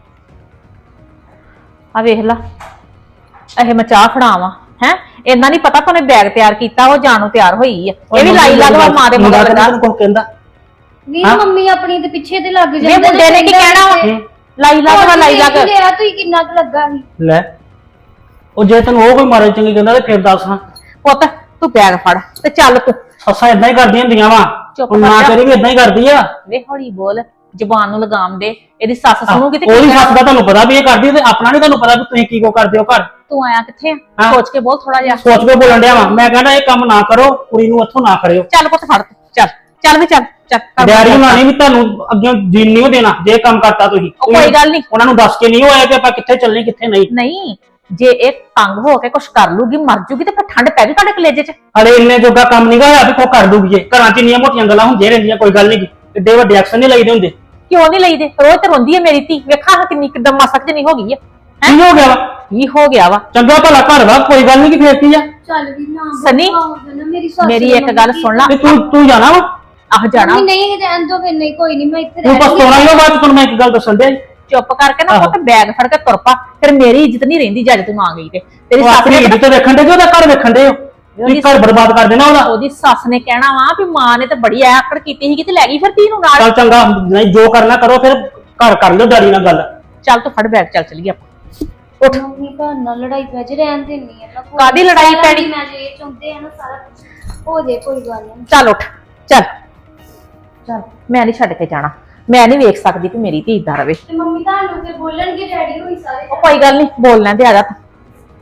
[SPEAKER 3] ਆ ਵੇਖ ਲਾ, ਇਹ ਮੈਂ ਚਾਹ ਫੜਾਵਾਂ ਹੈ? ਇੰਨਾ ਨਹੀਂ ਪਤਾ ਤੁਹਾਨੂੰ ਬੈਗ ਤਿਆਰ ਕੀਤਾ, ਉਹ ਜਾਣੋਂ ਤਿਆਰ ਹੋਈ ਆ। ਇਹ ਵੀ ਲਾਈ ਲੱਗਵਾ ਮਾਂ ਦੇ ਮਗਰ ਲੱਗਾ।
[SPEAKER 2] ਤੈਨੂੰ ਕੋਈ ਕਹਿੰਦਾ?
[SPEAKER 5] ਵੀ ਮੰਮੀ ਆਪਣੀ ਤੇ ਪਿੱਛੇ ਤੇ ਲੱਗ
[SPEAKER 3] ਵੇ
[SPEAKER 5] ਜਾਂਦੇ
[SPEAKER 3] ਮੁੰਡੇ ਨੇ ਕੀ ਕਹਿਣਾ ਵਾ? ਲਾਈ ਲੱਗਵਾ ਲਾਈ ਲੱਗ।
[SPEAKER 5] ਲਿਆ ਤੂੰ ਕਿੰਨਾ ਕੁ ਲੱਗਾ ਸੀ?
[SPEAKER 2] ਲੈ, ਉਹ ਜੇ ਤੈਨੂੰ ਉਹ ਕੋਈ ਮਾਰੇ ਚੰਗੀ ਕਹਿੰਦਾ ਤੇ ਫਿਰ ਦੱਸ ਹਾਂ।
[SPEAKER 3] ਪੁੱਤ ਤੂੰ ਬੈਗ ਫੜ ਤੇ ਚੱਲ ਤੂੰ।
[SPEAKER 2] ਸੱਸਾਂ ਇਦਾਂ ਹੀ ਕਰਦੀਆਂ ਹੁੰਦੀਆਂ ਵਾ।
[SPEAKER 3] ਚੁੱਪ
[SPEAKER 2] ਹੁਣ ਮਾਂ
[SPEAKER 3] ਕਰ ਜਾ।
[SPEAKER 2] ਤੇਰੀ ਵੀ ਇਦਾਂ ਹੀ ਕਰਦੀ ਆ।
[SPEAKER 3] ਵੇ ਹੌਲੀ ਬੋਲ, ਜ਼ੁਬਾਨ ਨੂੰ ਲਗਾਮ ਦੇ। ਇਹਦੀ ਸੱਸ ਸੁਣੂਗੀ ਤੇ
[SPEAKER 2] ਉਹਦੀ
[SPEAKER 3] ਕੀ
[SPEAKER 2] ਸੱਸ
[SPEAKER 3] ਕਹਿਣਾ?
[SPEAKER 2] ਦਾ ਤੁਹਾਨੂੰ ਪਤਾ ਵੀ ਇਹ ਕਰਦੀ ਤੇ ਆਪਣਾ ਨਹੀਂ ਤੁਹਾਨੂੰ ਪਤਾ ਵੀ ਤੁਸੀਂ ਕੀ ਕੋ ਕਰਦੇ ਹੋ ਘਰ।
[SPEAKER 3] ਤੂੰ ਆਇਆ ਕਿੱਥੇ ਆ?
[SPEAKER 2] ਹਾਂ।
[SPEAKER 3] ਸੋਚ ਕੇ ਬੋਲ ਥੋੜਾ ਜਿਹਾ।
[SPEAKER 2] ਸੋਚ ਕੇ ਬੋਲਣ ਡਿਆ ਵਾ। ਮੈਂ ਕਹਿੰਦਾ ਇਹ ਕੰਮ ਨਾ ਕਰੋ, ਕੁੜੀ ਨੂੰ ਇੱਥੋਂ ਨਾ ਕਰਿਓ।
[SPEAKER 3] ਚੱਲ ਪੁੱਤ ਫੜ ਤੂੰ, ਚੱਲ ਚੱਲ ਵੀ ਚੱਲ ਚੱਲ ਕਰ।
[SPEAKER 2] ਡੈਡੀ ਉਹਨਾਂ ਨੇ ਵੀ ਤੁਹਾਨੂੰ ਅੱਗੇ ਜੀਣ ਨਹੀਂ ਦੇਣਾ ਜੇ ਇਹ ਕੰਮ ਕਰਤਾ ਤੁਸੀਂ।
[SPEAKER 3] ਉਹ ਕੋਈ ਗੱਲ ਨਹੀਂ।
[SPEAKER 2] ਉਹਨਾਂ ਨੂੰ ਦੱਸ ਕੇ ਨਹੀਂ ਹੋਇਆ ਕਿ ਆਪਾਂ ਕਿੱਥੇ ਚੱਲਣੇ ਕਿੱਥੇ ਨਹੀਂ।
[SPEAKER 3] ਨਹੀਂ, ਜੇ ਇਹ ਤੰਗ ਹੋ ਕੇ ਕੁਛ ਕਰ ਲੂਗੀ, ਮਰ ਜੂਗੀ, ਤੇ ਫਿਰ ਠੰਡ ਪੈ ਜੂ ਤੁਹਾਡੇ ਕਲੇਜੇ 'ਚ।
[SPEAKER 2] ਹਲੇ ਇੰਨੇ ਜੋਗਾ ਕੰਮ ਨਹੀਂ ਹੋਇਆ ਵੀ ਕੋ ਕਰ ਦੂਗੀ ਇਹ। ਘਰਾਂ 'ਚ ਇੰਨੀਆਂ ਮੋਟੀਆਂ ਗੱਲਾਂ ਹੁੰਦੀਆਂ ਰਹਿੰਦੀਆਂ, ਕੋਈ ਗੱਲ ਨਹੀਂ। ਏਡੇ ਵੱਡੇ ਐਕਸ਼ਨ ਨਹੀਂ ਲਈਦੇ ਹੁੰਦੇ।
[SPEAKER 3] ਕਿਉਂ ਨਹੀਂ ਲਈਦੇ? ਰੋਜ਼ ਤੇ ਰੋਂਦੀ ਹੈ ਮੇਰੀ ਧੀ। ਵੇਖਾਂ ਹਾਂ ਕਿੰਨੀ ਕਿੱਦਾਂ ਮਸਕ ਜਨੀ ਹੋ ਗਈ ਹੈ।
[SPEAKER 2] ਕੀ ਹੋ ਗਿਆ ਵਾ?
[SPEAKER 3] ਕੀ ਹੋ ਗਿਆ ਵਾ?
[SPEAKER 2] ਚੰਗਾ ਭਲਾ ਘਰ ਵਾ, ਕੋਈ ਗੱਲ ਨਹੀਂ ਕਿ ਫੇਰ ਕੀ ਆ।
[SPEAKER 5] ਚੱਲ ਵੀ ਨਾ
[SPEAKER 3] ਸਨੀ,
[SPEAKER 5] ਮੇਰੀ ਸੱਸ
[SPEAKER 3] ਮੇਰੀ
[SPEAKER 5] ਨੇ
[SPEAKER 3] ਇੱਕ ਗੱਲ
[SPEAKER 5] ਮੰਮੀ
[SPEAKER 3] ਸੁਣ ਲਾ।
[SPEAKER 2] ਤੇ ਤੂੰ ਤੂੰ ਜਾਣਾ ਵਾ?
[SPEAKER 3] ਆਹ ਜਾਣਾ।
[SPEAKER 5] ਮੰਮੀ ਨਹੀਂ ਰਹਿਣ ਦੋ, ਫਿਰ ਨਹੀਂ ਕੋਈ ਨਹੀਂ, ਮੈਂ ਇੱਥੇ
[SPEAKER 2] ਤੂੰ
[SPEAKER 5] ਰਹਿ
[SPEAKER 2] ਬਸ ਸੋਣਾ ਹੀ ਹੋ। ਬਾਅਦ 'ਚ ਤੁਹਾਨੂੰ ਮੈਂ ਇੱਕ ਗੱਲ ਦੱਸਣ ਦੇ।
[SPEAKER 3] ਚੁੱਪ ਕਰਕੇ ਨਾ
[SPEAKER 2] ਆਹੋ।
[SPEAKER 3] ਪੁੱਤ ਬੈਗ ਫੜ ਕੇ ਤੁਰ ਪਾ। ਫਿਰ ਮੇਰੀ ਇੱਜ਼ਤ ਨਹੀਂ ਰਹਿੰਦੀ ਜਦ ਤੂੰ ਆ ਗਈ ਤੇ। ਤੇਰੀ
[SPEAKER 2] ਉਹ
[SPEAKER 3] ਸੱਸ
[SPEAKER 2] ਆਪਣੀ
[SPEAKER 3] ਨੇ
[SPEAKER 2] ਇੱਜ਼ਤ ਵੇਖਣ ਦੇ ਕਿ ਉਹਦਾ ਘਰ ਵੇਖਣ ਦੇ ਹੋ। ਤੁਸੀਂ ਘਰ ਬਰਬਾਦ ਕਰ ਦੇਣਾ ਉਹਦਾ।
[SPEAKER 3] ਉਹਦੀ ਸੱਸ ਨੇ ਕਹਿਣਾ ਵਾ ਵੀ ਮਾਂ ਨੇ ਤਾਂ ਬੜੀ ਆਕੜ ਕੀਤੀ ਸੀਗੀ ਤੇ ਲੈ ਗਈ ਫਿਰ ਧੀ ਨੂੰ ਨਾਲ।
[SPEAKER 2] ਚੱਲ ਚੰਗਾ, ਨਹੀਂ ਜੋ ਕਰਨਾ ਕਰੋ, ਫਿਰ ਘਰ ਕਰ ਲਿਓ ਡੈਡੀ ਨਾਲ ਗੱਲ।
[SPEAKER 3] ਚੱਲ ਤੂੰ ਫੜ ਬੈਗ, ਚੱਲ ਚਲੀਏ ਆਪਾਂ। ਉੱਠ।
[SPEAKER 5] ਮੰਮੀ ਘਰ ਨਾਲ ਲੜਾਈ ਪੈ ਜੇ, ਰਹਿਣ ਦੇਣੀ ਹੈ ਨਾ। ਕੋਈ
[SPEAKER 3] ਕਾਹਦੀ ਲੜਾਈ
[SPEAKER 5] ਸਾਰਾ
[SPEAKER 3] ਪੈਣੀ?
[SPEAKER 5] ਮੈਂ ਜੇ ਇਹ ਚਾਹੁੰਦੇ ਆ ਨਾ ਸਾਰਾ ਕੁਛ ਹੋ ਜੇ, ਕੋਈ ਗੱਲ ਨਹੀਂ।
[SPEAKER 3] ਚੱਲ ਉੱਠ, ਚੱਲ ਚੱਲ। ਮੈਂ ਨਹੀਂ ਛੱਡ ਕੇ ਜਾਣਾ। ਮੈਂ ਨਹੀਂ ਵੇਖ ਸਕਦੀ ਕਿ ਮੇਰੀ ਧੀ ਏਦਾਂ ਰਵੇ।
[SPEAKER 5] ਤੇ ਮੰਮੀ ਤੁਹਾਨੂੰ ਤੇ ਬੋਲਣਗੇ ਡੈਡੀ ਹੋਈ ਸਾਰੇ।
[SPEAKER 3] ਉਹ ਕੋਈ ਗੱਲ ਨਹੀਂ, ਬੋਲ ਲੈਂਦੇ, ਆ ਜਾ ਤੂੰ।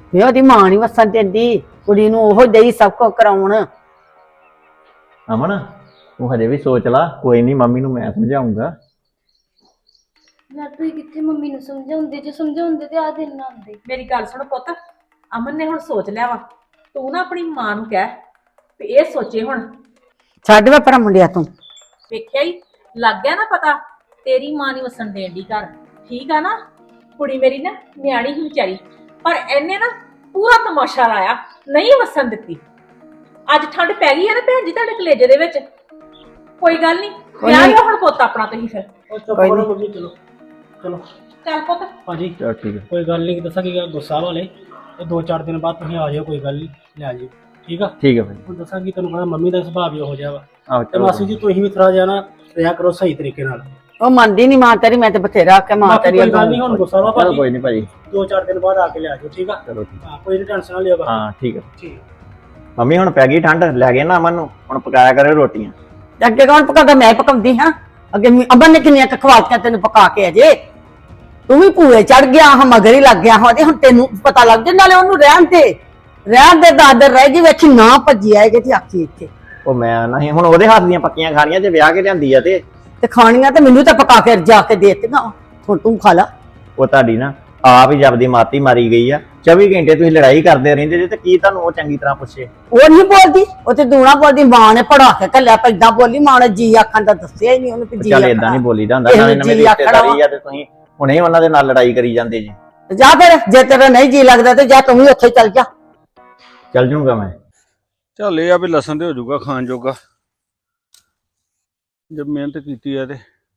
[SPEAKER 4] ਵੀ ਉਹਦੀ ਮਾਂ ਨਹੀਂ ਵਸਣ ਦਿੰਦੀ ਕੁੜੀ ਨੂੰ ਉਹ ਦੇਈ ਸਭ ਕੁਝ ਕਰਾਉਣ।
[SPEAKER 7] ਅਮਨ ਤੂੰ ਹਜੇ ਵੀ ਸੋਚ ਲਾ, ਕੋਈ ਨਹੀਂ ਮੰਮੀ ਨੂੰ ਮੈਂ ਸਮਝਾਉਂਗਾ।
[SPEAKER 5] ਯਾਰ ਤੁਸੀਂ ਕਿੱਥੇ ਮੰਮੀ ਨੂੰ ਸਮਝਾਉਂਦੇ, ਜੇ ਸਮਝਾਉਂਦੇ ਤੇ ਆ ਦਿਨ ਨਾ ਆਉਂਦੇ।
[SPEAKER 3] ਮੇਰੀ ਗੱਲ ਸੁਣ ਪੁੱਤ, ਅਮਨ ਨੇ ਹੁਣ ਸੋਚ ਲਿਆ ਵਾ, ਤੂੰ ਨਾ ਆਪਣੀ ਮਾਂ ਨੂੰ ਕਹਿ ਤੇ ਇਹ ਸੋਚੇ ਹੁਣ।
[SPEAKER 4] ਛੱਡ ਵੇ ਪਰਾ ਮੁੰਡਿਆ ਤੂੰ।
[SPEAKER 3] ਵੇਖਿਆ ਹੀ ਲੱਗ ਗਿਆ ਨਾ ਪਤਾ, ਤੇਰੀ ਮਾਂ ਨਹੀਂ ਵਸਣ ਦੇਣ ਦੀ ਘਰ, ਠੀਕ ਆ ਨਾ। ਕੁੜੀ ਮੇਰੀ ਨਾ ਨਿਆਣੀ ਹੀ ਵਿਚਾਰੀ, ਪਰ ਇਹਨੇ ਨਾ ਪੂਰਾ ਤਮਾਸ਼ਾ ਲਾਇਆ, ਨਹੀਂ ਵਸਣ ਦਿੱਤੀ। ਅੱਜ ਠੰਡ ਪੈ ਗਈ ਹੈ ਨਾ ਭੈਣ ਜੀ ਤੁਹਾਡੇ ਕਲੇਜੇ ਦੇ ਵਿੱਚ, ਕੋਈ ਗੱਲ ਨਹੀਂ, ਵਿਆਹ ਲਿਓ ਹੁਣ ਪੁੱਤ ਆਪਣਾ ਤੁਸੀਂ ਫਿਰ।
[SPEAKER 2] ਉਹ ਚੁੱਪ
[SPEAKER 4] ਕੋਈ
[SPEAKER 2] ਕਰੋ
[SPEAKER 4] ਨੀ।
[SPEAKER 2] ਮੰਮੀ, ਚਲੋ ਚਲੋ
[SPEAKER 3] ਚੱਲ ਪੁੱਤ।
[SPEAKER 2] ਭਾਜੀ
[SPEAKER 7] ਚਲ ਠੀਕ ਹੈ।
[SPEAKER 2] ਕੋਈ ਗੱਲ ਨਹੀਂ, ਦੱਸਾਂ ਕੀ ਗੱਲ, ਗੁੱਸਾ ਵਾਲੇ ਤੇ ਦੋ ਚਾਰ ਦਿਨ ਬਾਅਦ ਤੁਸੀਂ ਆ ਜਾਓ, ਕੋਈ ਗੱਲ ਨਹੀਂ, ਲੈ ਜਾਓ, ਠੀਕ ਆ।
[SPEAKER 7] ਠੀਕ ਹੈ ਭਾਈ।
[SPEAKER 2] ਹੁਣ ਦੱਸਾਂ ਕੀ, ਤੈਨੂੰ ਪਤਾ ਮੰਮੀ ਦਾ ਸੁਭਾਅ ਵੀ ਹੋ ਜਾ ਵਾ,
[SPEAKER 7] ਆਹ
[SPEAKER 2] ਤੇ ਮਾਸੀ ਜੀ ਤੁਸੀਂ ਵੀ ਥੋੜਾ ਜਿਹਾ ਨਾ ਰਿਹਾ ਕਰੋ ਸਹੀ ਤਰੀਕੇ ਨਾਲ।
[SPEAKER 4] ਉਹ ਮੰਨਦੀ ਨਹੀਂ ਮਾਂ ਤੇਰੀ, ਮੈਂ ਤੇ ਬਥੇਰਾ ਆਖਿਆ ਮਾਂ
[SPEAKER 2] ਬਾਕੀ
[SPEAKER 4] ਤੇਰੀ
[SPEAKER 2] ਕੋਈ ਗੱਲ ਨਹੀਂ, ਹੁਣ ਗੁੱਸਾ ਵਾ
[SPEAKER 7] ਚਲੋ
[SPEAKER 2] ਭਾਜੀ,
[SPEAKER 7] ਕੋਈ ਨਹੀਂ ਭਾਜੀ।
[SPEAKER 2] ਦੋ ਚਾਰ ਦਿਨ ਬਾਅਦ ਆ ਕੇ ਲੈ ਜਾਓ, ਠੀਕ ਆ।
[SPEAKER 7] ਚਲੋ ਠੀਕ।
[SPEAKER 2] ਹਾਂ ਕੋਈ ਨਹੀਂ, ਟੈਨਸ਼ਨ ਨਾ ਲਿਓ ਬਸ।
[SPEAKER 7] ਹਾਂ ਠੀਕ ਹੈ।
[SPEAKER 2] ਠੀਕ।
[SPEAKER 7] ਮੰਮੀ ਹੁਣ ਪੈ ਗਈ ਠੰਡ, ਲੈ ਗਏ ਨਾ ਅਮਨ ਨੂੰ, ਹੁਣ ਪਕਾਇਆ ਕਰਿਓ ਰੋਟੀਆਂ।
[SPEAKER 4] ਅੱਗੇ ਕੌਣ ਪਕਾਉਂਦਾ? ਮੈਂ ਪਕਾਉਂਦੀ ਹਾਂ। ਅੱਗੇ ਮ- ਅਮਨ ਨੇ ਕਿੰਨੀਆਂ ਖਵਾਤੀਆਂ ਤੈਨੂੰ ਪਕਾ ਕੇ ਅਜੇ। ਤੂੰ ਵੀ ਭੂਏ ਚੜ ਗਿਆ ਹਾਂ, ਮਗਰ ਹੀ ਲੱਗ ਗਿਆ ਹਾਂ ਤੇ ਹੁਣ ਤੈਨੂੰ ਪਤਾ ਲੱਗ ਜੇ। ਨਾਲੇ ਉਹਨੂੰ ਰਹਿਣ ਤੇ ਰਹਿਣ ਦੇ, ਦਾਦਰ ਰਹਿ ਗਈ, ਵੇਖੀ ਨਾ ਭੱਜੀ ਆਏਗੀ ਤੇ ਆਖੀ ਇੱਥੇ
[SPEAKER 7] ਉਹ ਮੈਂ ਨਹੀਂ ਹੁਣ ਉਹਦੇ ਹੱਥ ਦੀਆਂ ਪੱਕੀਆਂ ਖਾਣੀਆਂ, ਜੇ ਵਿਆਹ ਕੇ ਲਿਆਂਦੀ ਆ ਤੇ
[SPEAKER 4] ਤੇ ਖਾਣੀਆਂ ਤੇ ਮੈਨੂੰ ਤਾਂ ਪਕਾ ਕੇ ਜਾ ਕੇ ਦੇ ਦਿੱਤੀਆਂ। ਹੁਣ ਤੂੰ ਖਾ ਲਾ।
[SPEAKER 7] ਉਹ ਤੁਹਾਡੀ ਨਾ ਆਪ ਹੀ ਜਬਦੀ ਮਾਤੀ ਮਾਰੀ ਗਈ ਆ। ਚੌਵੀ ਘੰਟੇ ਤੁਸੀਂ ਲੜਾਈ ਕਰਦੇ ਰਹਿੰਦੇ ਜੇ, ਤੇ ਕੀ ਤੁਹਾਨੂੰ ਉਹ ਚੰਗੀ ਤਰ੍ਹਾਂ ਪੁੱਛੇ?
[SPEAKER 4] ਉਹ ਨਹੀਂ ਬੋਲਦੀ, ਉਹ ਤੇ ਦੂਣਾ ਬੋਲਦੀ। ਮਾਂ ਨੇ ਪੜਾ ਕੇ ਕੱਲਿਆ ਪੈਦਾ ਬੋਲੀ। ਮਾਂ ਨੇ ਜੀ ਆਖਣ ਦਾ ਦੱਸਿਆ ਹੀ ਨਹੀਂ ਉਹਨੂੰ ਕਿ ਜੀ
[SPEAKER 7] ਚੱਲ
[SPEAKER 4] ਆਖਣਾ।
[SPEAKER 7] ਏਦਾਂ ਨਹੀਂ ਬੋਲੀਦਾ ਹੁੰਦਾ,
[SPEAKER 4] ਇਹਨੂੰ
[SPEAKER 7] ਨਾਲੇ ਨਵੇਂ
[SPEAKER 4] ਜੀ ਆਖਣਾ
[SPEAKER 7] ਰਿਸ਼ਤੇਦਾਰੀ ਆ ਤੇ ਤੁਸੀਂ ਹੁਣੇ ਹੀ ਉਹਨਾਂ ਦੇ ਨਾਲ ਲੜਾਈ ਕਰੀ ਜਾਂਦੇ ਜੀ।
[SPEAKER 4] ਜਾ ਫਿਰ, ਜੇ ਤੇਰਾ ਨਹੀਂ ਜੀ ਲੱਗਦਾ ਤੇ ਜਾ ਤੂੰ ਵੀ ਉੱਥੇ ਚੱਲ ਜਾ।
[SPEAKER 7] ਚੱਲ ਜੂਗਾ ਮੈਂ।
[SPEAKER 8] ਚੱਲ ਇਹ ਆ ਵੀ ਲਸਣ ਤੇ ਹੋ ਜਾਊਗਾ ਖਾਣ ਜੋਗਾ, ਜਦ ਮਿਹਨਤ ਕੀਤੀ ਆ ਤੇ।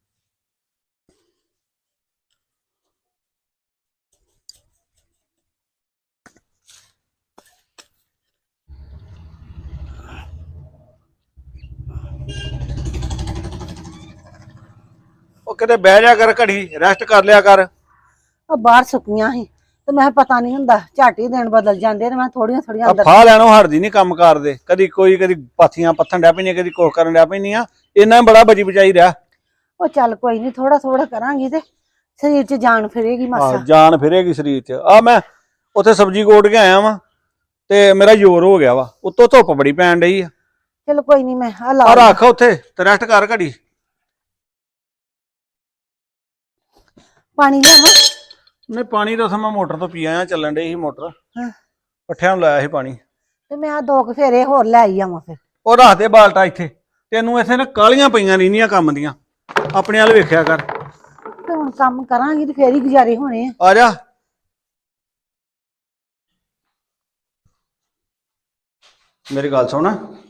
[SPEAKER 8] ਉਹ ਕਿਤੇ ਬਹਿ ਜਾ ਕਰ, ਘੜੀ ਰੈਸਟ ਕਰ ਲਿਆ ਕਰ।
[SPEAKER 9] ਉਹ ਬਾਹਰ ਸੁੱਕੀਆਂ ਸੀ ਤੇ ਮੈਂ ਕਿਹਾ ਪਤਾ ਨਹੀਂ ਹੁੰਦਾ, ਝੱਟ ਹੀ ਦਿਨ ਬਦਲ ਜਾਂਦੇ ਨੇ। ਮੈਂ ਥੋੜੀਆਂ ਥੋੜੀਆਂ
[SPEAKER 8] ਆ
[SPEAKER 9] ਅੰਦਰ
[SPEAKER 8] ਫਾਹ ਲੈਣੋਂ ਹਟਦੀ ਨਹੀਂ ਕੰਮ ਕਰਦੇ, ਕਦੀ ਕੋਈ ਕਦੀ ਪਾਥੀਆਂ ਪੱਥਣ ਡੈ ਪੈਂਦੀਆਂ, ਕਦੀ ਕੁਛ ਕਰਨ ਡੈ ਪੈਂਦੀਆਂ। ਇੰਨਾ ਹੀ ਬੜਾ ਬਚੀ ਬਚਾਈ ਰਿਹਾ।
[SPEAKER 9] ਉਹ ਚੱਲ ਕੋਈ ਨਹੀਂ, ਥੋੜਾ ਥੋੜਾ ਕਰਾਂਗੀ ਤੇ ਸਰੀਰ 'ਚ ਜਾਨ ਫਿਰੇਗੀ
[SPEAKER 8] ਆਹ
[SPEAKER 9] ਮਾਸਾ।
[SPEAKER 8] ਜਾਨ ਫਿਰੇਗੀ ਸਰੀਰ 'ਚ। ਆ ਮੈਂ ਉੱਥੇ ਸਬਜ਼ੀ ਕੋਟ ਕੇ ਆਇਆ ਵਾਂ ਤੇ ਮੇਰਾ ਜ਼ੋਰ ਹੋ ਗਿਆ ਵਾ, ਉੱਤੋਂ ਧੁੱਪ ਬੜੀ ਪੈਣ ਡਈ ਆ।
[SPEAKER 9] ਚਲੋ ਕੋਈ ਨਹੀਂ, ਮੈਂ ਆ
[SPEAKER 8] ਆ
[SPEAKER 9] ਲਾ
[SPEAKER 8] ਰੱਖ ਉੱਥੇ ਤੇ ਰੈਸਟ ਕਰ ਘੜੀ।
[SPEAKER 9] ਪਾਣੀ ਲਿਆਵਾਂ?
[SPEAKER 8] ਨਹੀਂ ਪਾਣੀ ਤਾਂ ਮੈਂ ਮੋਟਰ ਤੋਂ ਪੀ ਆਇਆ, ਚੱਲਣ ਡਈ ਸੀ ਮੋਟਰ,
[SPEAKER 9] ਹਾਂ।
[SPEAKER 8] ਪੱਠਿਆਂ ਨੂੰ ਲਾਇਆ ਸੀ ਪਾਣੀ।
[SPEAKER 9] ਤੇ ਮੈਂ ਆ ਦੋ ਕੁ ਫੇਰੇ ਹੋਰ ਲੈ ਆਈ ਆਵਾਂ ਫਿਰ।
[SPEAKER 8] ਉਹ ਰੱਖ ਦੇ ਬਾਲਟਾ ਇੱਥੇ, ਤੈਨੂੰ ਇੱਥੇ ਨਾ ਕਾਲੀਆਂ ਪਈਆਂ ਰਹਿੰਦੀਆਂ ਕੰਮ ਦੀਆਂ, ਆਪਣੇ ਵੱਲ ਵੇਖਿਆ ਕਰ।
[SPEAKER 9] ਤੇ ਹੁਣ ਕੰਮ ਕਰਾਂਗੀ ਤੇ ਫੇਰ ਹੀ ਗੁਜ਼ਾਰੇ ਹੋਣੇ ਆ।
[SPEAKER 8] ਆ ਜਾ। ਮੇਰੀ ਗੱਲ ਸੁਣ,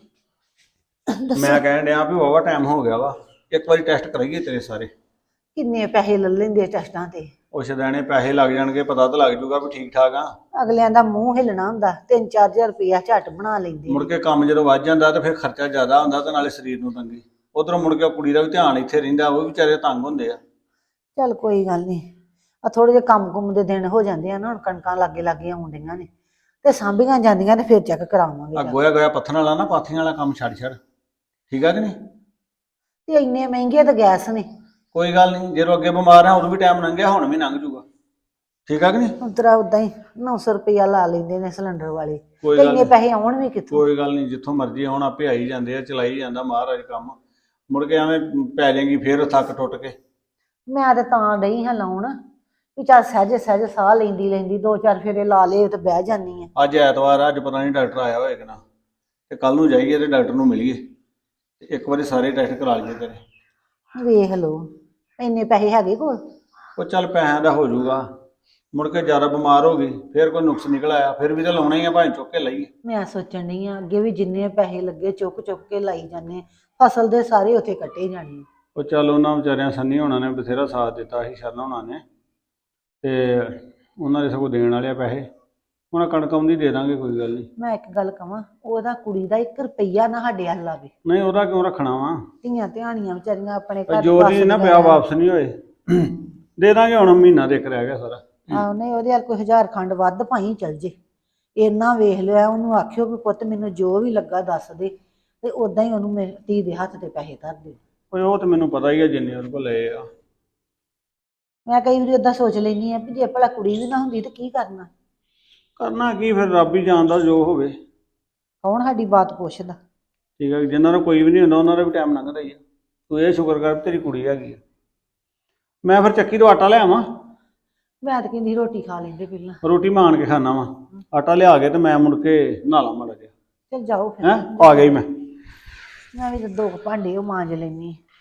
[SPEAKER 8] ਮੈਂ ਕਹਿਣ ਡਿਆ ਵੀ ਵਾਵਾ ਟਾਈਮ ਹੋ ਗਿਆ ਵਾ, ਇੱਕ ਵਾਰੀ ਟੈਸਟ ਕਰਾਈਏ ਤੇਰੇ ਸਾਰੇ।
[SPEAKER 9] ਕਿੰਨੇ ਪੈਸੇ ਲੈ ਲੈਂਦੇ ਟੈਸਟਾਂ ਤੇ?
[SPEAKER 8] ਉਹ ਸ਼ਦੈਣੇ ਪੈਸੇ ਲੱਗ ਜਾਣਗੇ, ਪਤਾ ਤਾਂ ਲੱਗ ਜੂਗਾ ਵੀ ਠੀਕ ਠਾਕ ਆ।
[SPEAKER 9] ਅਗਲਿਆਂ ਦਾ ਮੂੰਹ ਹਿੱਲਣਾ ਹੁੰਦਾ, ਤਿੰਨ ਚਾਰ ਹਜ਼ਾਰ ਰੁਪਇਆ ਝੱਟ ਬਣਾ ਲੈਂਦੇ।
[SPEAKER 8] ਮੁੜ ਕੇ ਕੰਮ ਜਦੋਂ ਵੱਧ ਜਾਂਦਾ ਤੇ ਫਿਰ ਖਰਚਾ ਜ਼ਿਆਦਾ ਹੁੰਦਾ ਤੇ ਨਾਲੇ ਸਰੀਰ ਨੂੰ ਤੰਗੀ। ਉਧਰੋਂ ਮੁੜ ਕੇ ਕੁੜੀ ਦਾ ਵੀ ਧਿਆਨ ਇੱਥੇ ਰਹਿੰਦਾ, ਉਹ ਵੀ ਵਿਚਾਰੇ ਤੰਗ ਹੁੰਦੇ ਆ।
[SPEAKER 9] ਚੱਲ ਕੋਈ ਗੱਲ ਨਹੀਂ, ਆ ਥੋੜੇ ਜਿਹੇ ਕੰਮ ਕੁੰਮ ਦੇ ਦਿਨ ਹੋ ਜਾਂਦੇ ਆ ਨਾ, ਹੁਣ ਕਣਕਾਂ ਲਾਗੇ ਲਾਗੇ ਆਉਣ ਡਈਆਂ ਨੇ ਤੇ ਸਾਂਭੀਆਂ ਜਾਂਦੀਆਂ ਨੇ, ਫਿਰ ਚੈੱਕ ਕਰਾਵਾਂਗੇ।
[SPEAKER 8] ਆ ਗੋਇਆ ਗੋਇਆ ਪੱਥਣ ਵਾਲਾ ਨਾ, ਪਾਥੀਆਂ ਵਾਲਾ ਕੰਮ ਛੱਡ ਛੱਡ, ਠੀਕ ਆ ਕਿ ਨਹੀਂ?
[SPEAKER 9] ਤੇ ਇੰਨੇ ਮਹਿੰਗੇ ਤਾਂ ਗੈਸ ਨੇ।
[SPEAKER 8] ਕੋਈ ਗੱਲ ਨਹੀਂ, ਜਦੋਂ ਅੱਗੇ ਬਿਮਾਰ ਆ ਉਦੋਂ ਵੀ ਟਾਈਮ ਲੰਘਿਆ, ਹੁਣ ਵੀ ਲੰਘ ਜੂਗਾ, ਠੀਕ ਆ ਕਿ ਨਹੀਂ?
[SPEAKER 9] ਉਤਰਾ ਉਦਾਂ ਹੀ ਨੌ ਸੌ ਰੁਪਇਆ ਲਾ ਲੈਂਦੇ ਨੇ ਸਿਲੰਡਰ ਵਾਲੇ,
[SPEAKER 8] ਕੋਈ
[SPEAKER 9] ਤੇ
[SPEAKER 8] ਗੱਲ
[SPEAKER 9] ਇੰਨੇ
[SPEAKER 8] ਨੀ।
[SPEAKER 9] ਪੈਸੇ ਆਉਣ ਵੀ ਕਿੱਥੋਂ?
[SPEAKER 8] ਕੋਈ ਗੱਲ ਨਹੀਂ, ਜਿੱਥੋਂ ਮਰਜ਼ੀ ਆਉਣ ਆਪੇ ਆਈ ਜਾਂਦੇ ਆ, ਚਲਾਈ ਜਾਂਦਾ ਮਹਾਰਾਜ ਕੰਮ। ਮੁੜ ਕੇ ਐਵੇਂ ਪੈ ਜਾਏਗੀ ਫੇਰ ਥੱਕ ਟੁੱਟ ਕੇ।
[SPEAKER 9] ਮੈਂ ਤੇ ਤਾਂ ਡਈ ਹਾਂ ਲਾਉਣ ਵੀ ਚੱਲ ਸਹਿਜੇ ਸਹਿਜੇ ਸਾਹ ਲੈਂਦੀ ਲੈਂਦੀ ਦੋ ਚਾਰ ਫੇਰੇ ਲਾ ਲਏ ਤੇ ਬਹਿ ਜਾਂਦੀ ਆ।
[SPEAKER 8] ਅੱਜ ਐਤਵਾਰ ਆ, ਅੱਜ ਪਤਾ ਨਹੀਂ ਡਾਕਟਰ ਆਇਆ ਹੋਏਗਾ ਨਾ, ਤੇ ਕੱਲ ਨੂੰ ਜਾਈਏ ਤੇ ਡਾਕਟਰ ਨੂੰ ਮਿਲੀਏ, ਤੇ ਇੱਕ ਵਾਰੀ ਸਾਰੇ ਟੈਸਟ ਕਰਾ ਲਈਏ ਤੇਰੇ।
[SPEAKER 9] ਵੇਖ ਲਓ, ਇੰਨੇ ਪੈਸੇ ਹੈਗੇ ਕੋਲ?
[SPEAKER 8] ਉਹ ਚੱਲ ਪੈਸਿਆਂ ਦਾ ਹੋ ਜਾਊਗਾ, ਮੁੜ ਕੇ ਜ਼ਿਆਦਾ ਬਿਮਾਰ ਹੋ ਗਈ ਫੇਰ ਕੋਈ ਨੁਕਸ ਨਿਕਲ ਆਇਆ, ਫਿਰ ਵੀ ਤਾਂ ਲਾਉਣਾ ਹੀ ਆ, ਭਾਵੇਂ ਚੁੱਕ ਕੇ ਲਾਈਏ।
[SPEAKER 9] ਮੈਂ ਸੋਚਣ ਡਈ ਆ ਅੱਗੇ ਵੀ ਜਿੰਨੇ ਪੈਸੇ ਲੱਗੇ ਚੁੱਕ ਚੁੱਕ ਕੇ ਲਾਈ ਜਾਂਦੇ, ਫਸਲ ਦੇ ਸਾਰੇ ਉੱਥੇ ਕੱਟੇ ਜਾਣੇ।
[SPEAKER 8] ਉਹ ਚੱਲ ਉਹਨਾਂ ਵਿਚਾਰਿਆਂ ਸੰਨੀ ਹੋਣਾ ਨੇ ਬਥੇਰਾ ਸਾਥ ਦਿੱਤਾ ਸੀ, ਸ਼ਰਨ ਹੋਣਾ ਨੇ, ਤੇ ਉਹਨਾਂ ਦੇ ਸਗੋਂ ਦੇਣ ਵਾਲੇ ਆ ਪੈਸੇ, ਉਹਨਾਂ ਕਣਕ ਆਉਂਦੀ ਦੇ ਦਾਂਗੇ, ਕੋਈ ਗੱਲ ਨਹੀਂ।
[SPEAKER 9] ਮੈਂ ਇੱਕ ਗੱਲ ਕਵਾਂ, ਉਹਦਾ ਕੁੜੀ ਦਾ ਇੱਕ ਰੁਪਈਆ ਨਾ ਸਾਡੇ ਹੱਲ ਆਵੇ।
[SPEAKER 8] ਨਹੀਂ ਉਹਦਾ ਕਿਉਂ ਰੱਖਣਾ ਵਾ,
[SPEAKER 9] ਧੀਆਂ ਧਿਆਣੀਆਂ ਵਿਚਾਰੀਆਂ ਆਪਣੇ ਘਰ
[SPEAKER 8] ਜੋ ਦੀ ਨਾ ਪਿਆ ਵਾਪਸ ਨਹੀਂ ਹੋਏ, ਦੇ ਦਾਂਗੇ, ਹੁਣ ਮਹੀਨਾ ਦੇਖ ਰਹਿ ਗਿਆ ਸਾਰਾ।
[SPEAKER 9] ਆਹ ਨਹੀਂ, ਉਹਦੇ ਹੱਲ ਕੋਈ ਹਜ਼ਾਰ ਖੰਡ ਵੱਧ ਭਾਈ ਚੱਲ ਜੇ, ਇੰਨਾ ਵੇਖ ਲਿਆ। ਉਹਨੂੰ ਆਖਿਓ ਵੀ ਪੁੱਤ ਮੈਨੂੰ ਜੋ ਵੀ ਲੱਗਾ ਦੱਸ ਦੇ, ਤੇ ਉਦਾਂ ਹੀ ਉਹਨੂੰ ਮੇਰੀ ਧੀ ਦੇ ਹੱਥ ਤੇ ਪੈਸੇ ਧਰ ਦੇ।
[SPEAKER 8] ਓਏ ਉਹ ਤਾਂ ਮੈਨੂੰ ਪਤਾ ਹੀ ਆ, ਜਿੰਨੇ ਉਹਦੇ ਕੋਲ ਲਏ ਆ।
[SPEAKER 9] ਮੈਂ ਕਈ ਵਾਰੀ ਓਦਾਂ ਸੋਚ ਲੈਂਦੀ ਆ ਵੀ ਜੇ ਭਲਾ ਕੁੜੀ ਵੀ ਨਾ ਹੁੰਦੀ ਤੇ ਕੀ ਕਰਨਾ।
[SPEAKER 8] ਕਰਨਾ ਕੀ ਫਿਰ ਰੱਬ ਹੀ ਜਾਣਦਾ ਜੋ ਹੋਵੇ।
[SPEAKER 9] ਕੌਣ ਸਾਡੀ ਬਾਤ ਪੁੱਛਦਾ?
[SPEAKER 8] ਠੀਕ ਹੈ, ਜਿਨ੍ਹਾਂ ਦਾ ਕੋਈ ਵੀ ਨਹੀਂ ਹੁੰਦਾ ਉਹਨਾਂ ਦਾ ਵੀ ਟਾਈਮ ਲੰਘਦਾ ਹੀ ਆ। ਤੂੰ ਇਹ ਸ਼ੁਕਰ ਕਰ ਤੇਰੀ ਕੁੜੀ ਹੈਗੀ ਆ। ਮੈਂ ਫਿਰ ਚੱਕੀ ਤੋਂ ਆਟਾ ਲਿਆਵਾਂ।
[SPEAKER 9] ਮੈਂ ਤਾਂ ਕਹਿੰਦੀ ਰੋਟੀ ਖਾ ਲੈਂਦੇ ਪਹਿਲਾਂ।
[SPEAKER 8] ਰੋਟੀ ਮੈਂ ਆਣ ਕੇ ਖਾਣਾ ਵਾ। ਆਟਾ ਲਿਆ ਕੇ ਤੇ ਮੈਂ ਮੁੜ ਕੇ ਨਹਾ ਲਾਂ ਮਾੜਾ ਜਿਹਾ।
[SPEAKER 9] ਚਲ ਜਾਓ ਫਿਰ।
[SPEAKER 8] ਹੈਂ ਆ ਗਈ ਮੈਂ।
[SPEAKER 9] ਮੈਂ ਵੀ ਤਾਂ ਦੋ ਕੁ ਭਾਂਡੇ ਉਹ ਮਾਂਜ ਲੈਣੀ।